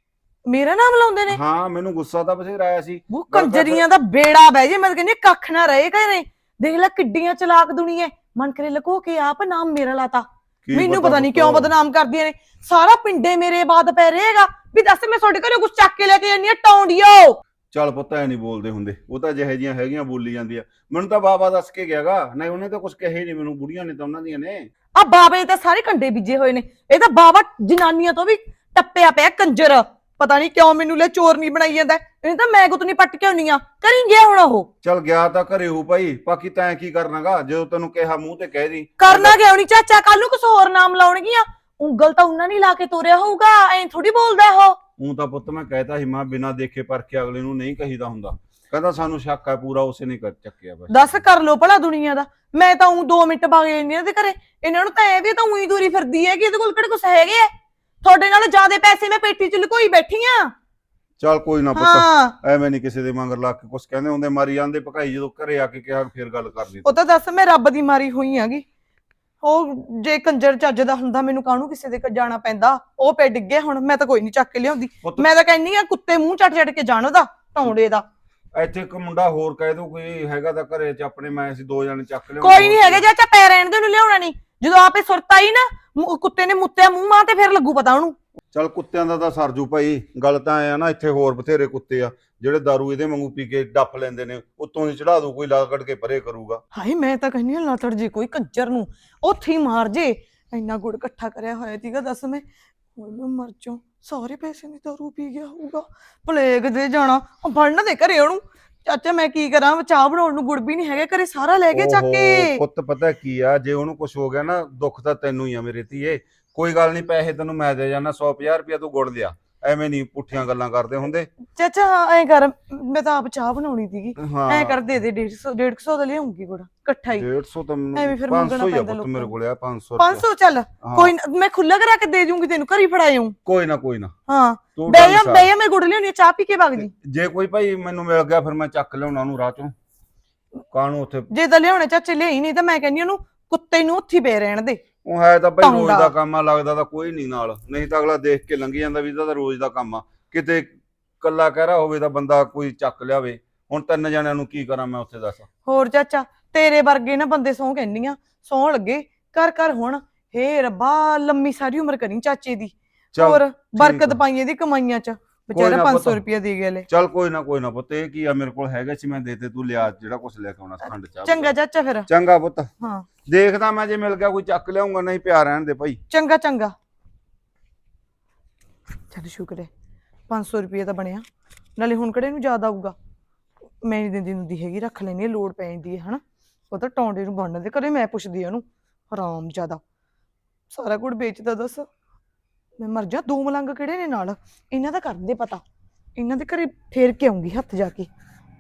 S5: ਮੇਰਾ ਨਾਮ ਲਾਉਂਦੇ ਨੇ?
S4: ਹਾਂ ਮੈਨੂੰ ਗੁੱਸਾ ਤਾਂ ਬਥੇਰਾ ਆਇਆ ਸੀ।
S5: ਉਹ ਕੰਜਰੀਆਂ ਦਾ ਬੇੜਾ ਬਹਿ ਜੇ, ਮੈਂ ਤਾਂ ਕਹਿੰਦੀ ਕੱਖ ਨਾ ਰਹੇ ਘਰੇ। ਦੇਖ ਲੈ ਕਿੱਡੀਆਂ ਚਲਾਕ ਦੁਨੀਆ, ਮਨ ਕਰੇ ਲਕੋ ਕੇ ਆਪ ਨਾਮ ਮੇਰਾ ਲਾਤਾ। ਮੈਨੂੰ ਪਤਾ ਨਹੀਂ ਕਿਉਂ ਬਦਨਾਮ ਕਰਦੀਆਂ ਨੇ, ਸਾਰਾ ਪਿੰਡੇ ਮੇਰੇ ਬਾਤ ਪੈ ਰਹੇਗਾ ਵੀ ਦੱਸ ਮੈਂ ਤੁਹਾਡੇ ਘਰੋਂ ਕੁਝ ਚੱਕ ਕੇ ਲੈ ਕੇ ਜਾਂਦੀ ਆ ਟੌਂਡੀਓ।
S4: ਚੱਲ ਪੁੱਤ ਐ ਨਹੀਂ ਬੋਲਦੇ ਹੁੰਦੇ, ਉਹ ਤਾਂ ਜਿਹੇ ਜੀਆਂ ਹੈਗੀਆਂ ਬੋਲੀ ਜਾਂਦੀ ਆ। ਮੈਨੂੰ ਤਾਂ ਬਾਬਾ ਦੱਸ ਕੇ ਗਿਆਗਾ, ਨਹੀਂ ਉਹਨੇ ਤਾਂ ਕੁਝ ਕਹੇ ਨਹੀਂ ਮੈਨੂੰ, ਬੁੜੀਆਂ ਨੇ ਤਾਂ ਉਹਨਾਂ ਦੀਆਂ ਨੇ।
S5: ਆ ਬਾਬੇ ਤਾਂ ਸਾਰੇ ਕੰਡੇ ਬੀਜੇ ਹੋਏ ਨੇ, ਇਹ ਤਾਂ ਬਾਬਾ ਜਨਾਨੀਆਂ ਤੋਂ ਵੀ ਟੱਪਿਆ ਪਿਆ ਕੰਜਰ। ਪਤਾ ਨਹੀਂ ਕਿਉਂ ਮੈਨੂੰ ਲੈ ਚੋਰ ਨਹੀਂ ਬਣਾਈ ਜਾਂਦਾ, ਇਹਨੇ ਤਾਂ ਮੈਂ ਗੁੱਤਨੀ ਪੱਟ ਕੇ ਆਉਣੀ ਆ। ਕਰੀ ਗਿਆ ਹੁਣ ਉਹ।
S4: ਚੱਲ ਗਿਆ ਤਾਂ ਘਰੇ ਹੋ ਭਾਈ, ਬਾਕੀ ਤੈਂ ਕੀ ਕਰਨਾਗਾ, ਜਦੋਂ ਤੈਨੂੰ ਕਿਹਾ ਮੂੰਹ ਤੇ ਕਹਿ ਦੀ।
S5: ਕਰਨਾ ਕਿਉਂ ਨਹੀਂ ਚਾਚਾ, ਕੱਲ ਨੂੰ ਕੁਛ ਹੋਰ ਨਾਮ ਲਾਉਣਗੀਆਂ। ਉਂਗਲ ਤਾਂ ਉਹਨਾਂ ਨੇ ਲਾ ਕੇ ਤੋਰਿਆ ਹੋਊਗਾ, ਐਂ ਥੋੜੀ ਬੋਲਦਾ ਉਹ।
S4: ਉਹ ਤਾਂ ਪੁੱਤ ਮੈਂ ਕਹਿਤਾ ਸੀ, ਮੈਂ ਬਿਨਾਂ ਦੇਖੇ ਪਰਖੇ ਅਗਲੇ ਨੂੰ ਨਹੀਂ ਕਹੀਦਾ ਹੁੰਦਾ। ਕਹਿੰਦਾ ਸਾਨੂੰ ਸ਼ੱਕ ਹੈ ਪੂਰਾ, ਉਸੇ ਨੇ ਕਰ ਚੱਕਿਆ ਬਸ।
S5: ਦੱਸ ਕਰ ਲੋ ਭਲਾ ਦੁਨੀਆ ਦਾ। ਮੈਂ ਤਾਂ ਉਹ ਦੋ ਮਿੰਟ ਬਾਗ ਜਾਂਦੀ ਦੇ ਘਰੇ, ਇਹਨਾਂ ਨੂੰ ਤਾਂ ਇਹ ਵੀ ਤਾਂ ਉਹੀ ਦੂਰੀ ਫਿਰਦੀ ਹੈ ਕਿ ਇਹਦੇ ਕੋਲ ਕਿਹੜੇ ਕੁਛ ਹੈਗੇ ਆ। ਤੁਹਾਡੇ ਨਾਲ ਜ਼ਿਆਦਾ ਪੈਸੇ ਮੈਂ ਪੇਟੀ ਚ ਲੁਕੋਈ ਬੈਠੀ ਆ।
S4: ਚੱਲ ਕੋਈ ਨਾ ਪੁੱਤ, ਐਵੇਂ ਨਹੀਂ ਕਿਸੇ ਦੇ ਮੰਗਰ ਲਾ ਕੇ ਕੁਛ ਕਹਿੰਦੇ ਹੁੰਦੇ, ਮਾਰੀ ਜਾਂਦੇ ਭਕਾਈ। ਜਦੋਂ ਘਰੇ ਆ ਕੇ ਕਿਹਾ ਫੇਰ ਗੱਲ ਕਰਦੀ।
S5: ਉਹ ਤਾਂ ਦੱਸ ਮੈਂ ਰੱਬ ਦੀ ਮਾਰੀ ਹੋਈ ਆਗੀ। ਉਹ ਜੇ ਕੰਜਰ ਚੱਜ ਦਾ ਹੁੰਦਾ ਮੈਨੂੰ ਕਾਹਨੂੰ ਕਿਸੇ ਦੇ ਜਾਣਾ ਪੈਂਦਾ। ਉਹ ਪੈ ਡਿੱਗੇ, ਹੁਣ ਮੈਂ ਤਾਂ ਕੋਈ ਨਹੀਂ ਚੱਕ ਕੇ ਲਿਆਉਂਦੀ। ਮੈਂ ਤਾਂ ਕਹਿੰਨੀ ਆ ਕੁੱਤੇ ਮੂੰਹ ਚੱਟ ਚੱਟ ਕੇ ਜਾਣ ਉਹਦਾ ਟੌਂਡੇ ਦਾ।
S4: ਇੱਥੇ ਇੱਕ ਮੁੰਡਾ ਹੋਰ ਕਹਿ ਦੋ ਕੋਈ ਹੈਗਾ ਤਾਂ ਘਰੇ ਚ ਆਪਣੇ, ਮੈਂ ਅਸੀਂ ਦੋ ਜਣੇ ਚੱਕ ਲਿਆ।
S5: ਕੋਈ ਨਹੀਂ ਹੈਗਾ ਚਾਚਾ, ਪੈ ਰਹਿਣ ਦੇ ਉਹਨੂੰ, ਲਿਆਉਣਾ ਨਹੀਂ। ਜਦੋਂ ਆਪੇ ਸੁਰਤ ਆਈ ਨਾ, ਕੁੱਤੇ ਨੇ ਮੁੱਤਿਆ ਮੂੰਹ ਮਾਂ ਤੇ ਫੇਰ ਲੱਗੂ ਪਤਾ ਉਹਨੂੰ।
S4: ਚੱਲ ਕੁੱਤਿਆਂ ਦਾ ਤਾਂ ਸਰਜੂ ਭਾਈ, ਗੱਲ ਤਾਂ ਐ ਆ ਨਾ, ਇੱਥੇ ਹੋਰ ਬਥੇਰੇ ਕੁੱਤੇ ਆ ਜਿਹੜੇ ਦਾਰੂ ਇਹਦੇ ਵਾਂਗੂ ਪੀ ਕੇ ਡੱਫ ਲੈਂਦੇ ਨੇ, ਉੱਤੋਂ ਦੀ ਚੜਾ ਦੂ ਕੋਈ ਲਾ ਕੱਢ ਕੇ ਪਰੇ ਕਰੂਗਾ।
S5: ਹਾਏ ਮੈਂ ਤਾਂ ਕਹਿੰਦੀ ਹਾਂ ਲਾਤੜ ਜੀ ਕੋਈ ਕੰਜਰ ਨੂੰ ਉੱਥੇ ਹੀ ਮਾਰ ਜੇ। ਇੰਨਾ ਗੁੜ ਇਕੱਠਾ ਕਰਿਆ ਹੋਇਆ ਸੀਗਾ, ਦੱਸ ਮੈਂ ਮੈਂ ਮਰ ਜਾ। ਸਾਰੇ ਪੈਸੇ ਦੀ ਦਾਰੂ ਪੀ ਗਿਆ ਹੋਊਗਾ, ਪਲੇਗ ਦੇ ਜਾਣਾ ਫੜਨ ਦੇ ਘਰੇ ਉਹਨੂੰ। ਚਾਚਾ ਮੈਂ ਕੀ ਕਰਾਂ, ਚਾਹ ਬਣਾਉਣ ਨੂੰ ਗੁੜ ਵੀ ਨਹੀਂ ਹੈਗਾ ਘਰੇ, ਸਾਰਾ ਲੈ ਕੇ ਚੱਕ ਕੇ।
S4: ਪੁੱਤ ਪਤਾ ਕੀ ਆ, ਜੇ ਉਹਨੂੰ ਕੁਝ ਹੋ ਗਿਆ ਨਾ, ਦੁੱਖ ਤਾਂ ਤੈਨੂੰ ਹੀ ਆ ਮੇਰੇ ਧੀਏ। ਕੋਈ ਗੱਲ ਨਹੀਂ, ਪੈਸੇ ਤੈਨੂੰ ਮੈਂ ਦੇ ਜਾਣਾ, ਸੌ ਪੰਜਾਹ ਰੁਪਇਆ ਤੂੰ ਗੁੜ ਲਿਆ। ਐਵੇਂ ਨਹੀਂ ਪੁੱਠੀਆਂ ਗੱਲਾਂ ਕਰਦੇ ਹੁੰਦੇ।
S5: ਚਾਚਾ ਐ ਕਰ, ਮੈਂ ਤਾਂ ਆਪ ਚਾਹ ਬਣਾਉਣੀ ਸੀਗੀ,
S4: ਹਾਂ
S5: ਐ ਕਰ ਦੇ ਦੇ ਡੇਢ ਸੌ ਡੇਢ ਸੌ ਦਾ ਲਿਆਉਂਗੀ ਗੁੜ ਇਕੱਠਾ ਹੀ।
S4: ਡੇਢ ਸੌ ਤਾਂ
S5: ਐਵੇਂ ਫਿਰ
S4: ਪੰਜ ਸੌ
S5: ਮੰਗਣਾ
S4: ਹੀ ਆ
S5: ਪੈਂਦਾ
S4: ਪੁੱਤ ਮੇਰੇ ਕੋਲ ਆ, ਪੰਜ ਸੌ
S5: ਪੰਜ ਸੌ ਚੱਲ ਕੋਈ ਨਾ, ਮੈਂ ਖੁੱਲਾ ਕਰਾ ਕੇ ਦੇ ਜੂੰਗੀ ਤੈਨੂੰ, ਘਰੀ ਫੜਾਇਉਂ।
S4: ਕੋਈ ਨਾ ਕੋਈ ਨਾ,
S5: ਹਾਂ
S4: ਤੂੰ
S5: ਬਹਿ ਜਾ ਬਹਿ ਜਾ, ਮੈਂ ਗੁੜ ਲਿਆਉਣੀ, ਚਾਹ ਪੀ ਕੇ ਵਗ ਜੀ।
S4: ਜੇ ਕੋਈ ਭਾਈ ਮੈਨੂੰ ਮਿਲ ਗਿਆ ਫਿਰ ਮੈਂ ਚੱਕ ਲਿਆਉਣਾ ਉਹਨੂੰ ਰਾਹ ਚੋਂ, ਕਾਹਨੂੰ ਉੱਥੇ।
S5: ਜੇ ਤਾਂ ਲਿਆਉਣੇ ਚਾਚੇ ਲਿਆਈ ਨਹੀਂ ਤਾਂ ਮੈਂ ਕਹਿੰਦੀ ਉਹਨੂੰ ਕੁੱਤੇ ਨੂੰ ਉੱਥੇ ਪਏ ਰਹਿਣ ਦੇ।
S4: ਉਹ ਹੈ ਤਾਂ ਭਾਈ ਰੋਜ਼ ਦਾ ਕੰਮ ਆ, ਲੱਗਦਾ ਤਾਂ ਕੋਈ ਨਹੀਂ ਨਾਲ, ਨਹੀਂ ਤਾਂ ਅਗਲਾ ਦੇਖ ਕੇ ਲੰਘੀ ਜਾਂਦਾ ਵੀ ਇਹਦਾ ਤਾਂ ਰੋਜ਼ ਦਾ ਕੰਮ ਆ। ਕਿਤੇ ਕੱਲਾ ਕਹਿਰਾ ਹੋਵੇ ਤਾਂ ਬੰਦਾ ਕੋਈ ਚੱਕ ਲਿਆਵੇ, ਹੁਣ ਤਿੰਨ ਜਣਿਆਂ ਨੂੰ ਕੀ ਕਰਾਂ ਮੈਂ ਉੱਥੇ ਦੱਸ।
S5: ਹੋਰ ਚਾਚਾ ਤੇਰੇ ਵਰਗੇ ਨਾ ਬੰਦੇ ਸਹੁੰ ਕਹਿੰਦੀਆਂ ਸਹੁੰ ਲੱਗੇ ਕਰ ਕਰ ਹੁਣ। ਹੇ ਰੱਬਾ ਲੰਮੀ ਸਾਰੀ ਉਮਰ ਕਰੀ ਚਾਚੇ ਦੀ।
S4: ਚੱਲ
S5: ਹੋਰ ਬਰਕਤ
S4: ਆ।
S5: ਪਾਈ ਇਹਦੀ ਕਮਾਈਆਂ ਚ।
S4: ਕੋਈ
S5: ਵਿਚਾਰਾ
S4: ਨਾ
S5: ਪੰਜ
S4: ਪੁੱਤ।
S5: ਸੌ ਰੁਪਇਆ ਦੇ ਗਿਆ ਲੈ।
S4: ਚੱਲ ਕੋਈ ਨਾ ਕੋਈ ਨਾ ਪੁੱਤ, ਇਹ ਕੀ ਆ ਮੇਰੇ ਕੋਲ ਹੈਗਾ ਸੀ ਮੈਂ ਦੇਤੇ, ਤੂੰ ਲਿਆ ਜਿਹੜਾ ਕੁਛ ਲੈ ਕੇ ਆਉਣਾ ਸੀ, ਖੰਡ ਚਾਹ
S5: ਚੰਗਾ ਚਾਚਾ ਫਿਰ।
S4: ਚੰਗਾ ਪੁੱਤ।
S5: ਹਾਂ
S4: ਦੇਖਦਾ ਮੈਂ, ਜੇ ਮਿਲ ਗਿਆ ਕੋਈ ਚੱਕ ਲਿਆਉਂਗਾ, ਨਹੀਂ ਪਿਆ ਰਹਿਣ ਦੇ ਭਾਈ।
S5: ਚੰਗਾ ਚੰਗਾ। ਚੱਲ ਸ਼ੁਕਰ ਹੈ ਪੰਜ ਸੌ ਰੁਪਏ ਤਾਂ ਬਣਿਆ, ਨਾਲੇ ਹੁਣ ਕਿਹੜੇ ਨੂੰ ਯਾਦ ਆਊਗਾ। ਮੈਂ ਨਹੀਂ ਦਿੰਦੀ ਹੁੰਦੀ ਹੈਗੀ, ਰੱਖ ਲੈਣੀ ਹੈ, ਲੋੜ ਪੈ ਜਾਂਦੀ ਹੈ ਹਨਾ। ਉਹ ਤਾਂ ਟੌਂਡੇ ਨੂੰ ਬਣਨ ਦੇ ਕਦੇ ਮੈਂ ਪੁੱਛਦੀ ਆ ਉਹਨੂੰ ਹਰਾਮ ਜ਼ਿਆਦਾ ਸਾਰਾ ਕੁਝ ਵੇਚਦਾ। ਦੱਸ ਮੈਂ ਮਰ ਜਾ, ਦੋ ਮਲੰਗ ਕਿਹੜੇ ਨੇ ਨਾਲ, ਇਹਨਾਂ ਦਾ ਕਰਨ ਦੇ ਪਤਾ, ਇਹਨਾਂ ਦੇ ਘਰੇ ਫੇਰ ਕੇ ਆਉਂਗੀ ਹੱਥ ਜਾ ਕੇ।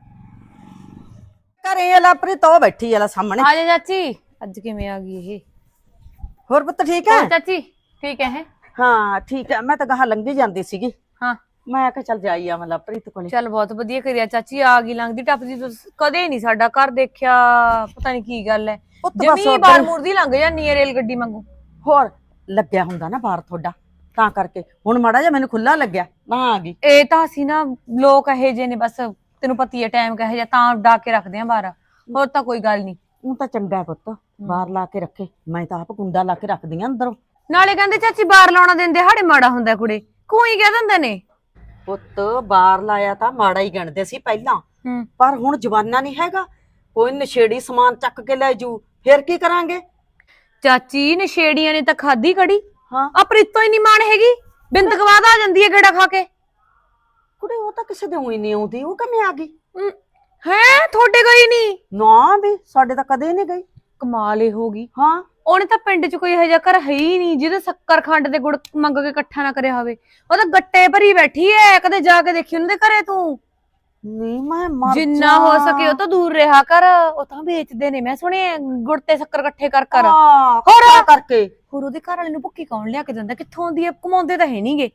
S6: ਘਰੇ ਆ ਲਾਪਰੀ ਤੋਂ ਬੈਠੀ ਆ ਲੈ ਸਾਹਮਣੇ।
S7: ਆ ਜਾ ਚਾਚੀ, ਅੱਜ ਕਿਵੇਂ ਆ ਗਈ ਇਹ?
S6: ਹੋਰ ਪੁੱਤ ਠੀਕ ਹੈ?
S7: ਹੋਰ ਚਾਚੀ ਠੀਕ ਹੈ? ਹੈ
S6: ਹਾਂ ਠੀਕ ਹੈ। ਮੈਂ ਤਾਂ ਗਾਹਾਂ ਲੰਘੀ ਜਾਂਦੀ ਸੀਗੀ,
S7: ਹਾਂ
S6: ਮੈਂ ਕਿਹਾ ਚੱਲ ਜਾਈ ਆ ਮੈਂ ਲਾਪਰੀਤ ਕੋਲੇ।
S7: ਚੱਲ ਬਹੁਤ ਵਧੀਆ ਕਰਿਆ ਚਾਚੀ, ਆ ਗਈ ਲੰਘਦੀ ਟੱਪਦੀ। ਤੁਸੀਂ ਕਦੇ ਨਹੀਂ ਸਾਡਾ ਘਰ ਦੇਖਿਆ, ਪਤਾ ਨਹੀਂ ਕੀ ਗੱਲ ਹੈ।
S6: ਪੁੱਤ ਬਸ
S7: ਜਮੀ
S6: ਉੱਧਰ-
S7: ਬਾਰ ਮੁਰਦੀ ਲੰਘ ਜਾਂਦੀ ਹੈ ਰੇਲ ਗੱਡੀ ਵਾਂਗੂ।
S6: ਹੋਰ ਲੱਗਿਆ ਹੁੰਦਾ ਨਾ ਬਾਹਰ ਤੁਹਾਡਾ, ਤਾਂ ਕਰਕੇ ਹੁਣ ਮਾੜਾ ਜਿਹਾ ਮੈਨੂੰ ਖੁੱਲਾ ਲੱਗਿਆ ਤਾਂ ਆ ਗਈ।
S7: ਇਹ ਤਾਂ ਅਸੀਂ ਨਾ ਲੋਕ ਇਹੋ ਜਿਹੇ ਨੇ, ਬਸ ਤੈਨੂੰ ਪਤੀ ਹੈ ਟਾਈਮ ਕਹੇ ਜਾ, ਤਾਂ ਡਾਕ ਕੇ ਰੱਖਦੇ ਆ ਬਾਹਰ, ਹੋਰ ਤਾਂ ਕੋਈ ਗੱਲ ਨਹੀਂ।
S6: ਉਹ ਤਾਂ ਚੰਗਾ ਪੁੱਤ ਬਾਹਰ ਲਾ ਕੇ ਰੱਖੇ, ਮੈਂ ਤਾਂ ਆਪ ਕੁੰਡਾ ਲਾ ਕੇ ਰੱਖਦੀ ਆ ਅੰਦਰੋਂ।
S7: ਨਾਲੇ ਕਹਿੰਦੇ ਚਾਚੀ ਬਾਹਰ ਲਾਉਣਾ ਦਿੰਦੇ ਹਾੜੇ ਮਾੜਾ ਹੁੰਦਾ, ਕੁੜੇ ਕੋਈ ਕਹਿ ਦਿੰਦੇ ਨੇ।
S6: ਪੁੱਤ ਬਾਹਰ ਲਾਇਆ ਤਾਂ ਮਾੜਾ ਹੀ ਗਣਦੇ ਸੀ ਪਹਿਲਾਂ,
S7: ਹੂੰ
S6: ਪਰ ਹੁਣ ਜਵਾਨਾ ਨਹੀਂ ਹੈਗਾ, ਕੋਈ ਨਸ਼ੇੜੀ ਸਮਾਨ ਚੱਕ ਕੇ ਲੈ ਜੂ, ਫਿਰ ਕੀ ਕਰਾਂਗੇ?
S7: ਚਾਚੀ ਨਸ਼ੇੜੀਆਂ ਨੇ ਤਾਂ ਖਾਦੀ ਕੜੀ,
S6: ਹਾਂ
S7: ਆ ਪ੍ਰੀਤੋਂ ਹੀ ਨਹੀਂ ਮਾਣ ਹੈਗੀ, ਬਿੰਦ ਗਵਾਦ ਆ ਜਾਂਦੀ ਹੈ ਗੇੜਾ ਖਾ ਕੇ।
S6: ਕੁੜੇ ਉਹ ਤਾਂ ਕਿਸੇ ਦੇ ਉਹੀ ਨਹੀਂ ਆਉਂਦੀ, ਉਹ ਕਿਵੇਂ ਆ ਗਈ?
S7: ਹੈ ਤੁਹਾਡੇ ਗਈ ਨਹੀਂ?
S6: ਨਾ ਵੀ ਸਾਡੇ ਤਾਂ ਕਦੇ ਨਹੀਂ ਗਈ।
S7: ਕਮਾਲ ਹੀ ਹੋ ਗਈ।
S6: ਹਾਂ
S7: ਉਹਨੇ ਤਾਂ ਪਿੰਡ 'ਚ ਕੋਈ ਇਹੋ ਜਿਹਾ ਘਰ ਹੈ ਹੀ ਨਹੀਂ ਜਿਹਦੇ ਸ਼ੱਕਰ ਖੰਡ ਤੇ ਗੁੜ ਮੰਗ ਕੇ ਇਕੱਠਾ ਨਾ ਕਰਿਆ ਹੋਵੇ। ਉਹ ਤਾਂ ਗੱਟੇ ਭਰੀ ਬੈਠੀ ਐ, ਕਦੇ ਜਾ ਕੇ ਦੇਖੀ ਉਹਨਾਂ ਦੇ ਘਰੇ ਤੂੰ?
S6: ਨਹੀਂ ਮੈਂ ਮਰ
S7: ਜਿੰਨਾ ਹੋ ਸਕੇ ਉਹ ਤਾਂ ਦੂਰ ਰਿਹਾ ਕਰ, ਉਹ ਤਾਂ ਵੇਚਦੇ ਨੇ ਮੈਂ ਸੁਣਿਆ ਗੁੜ ਤੇ ਸ਼ੱਕਰ ਇਕੱਠੇ ਕਰ ਕਰ।
S6: ਹਾਂ
S7: ਹੋਰ
S6: ਕਰਕੇ
S7: ਹੋਰ ਉਹਦੇ ਘਰ ਵਾਲੇ ਨੂੰ ਭੁੱਕੀ ਕੌਣ ਲਿਆ ਕੇ ਦਿੰਦਾ, ਕਿੱਥੋਂ ਆਉਂਦੀ ਐ, ਕਮਾਉਂਦੇ ਤਾਂ ਹੈ ਨਹੀਂਗੇ।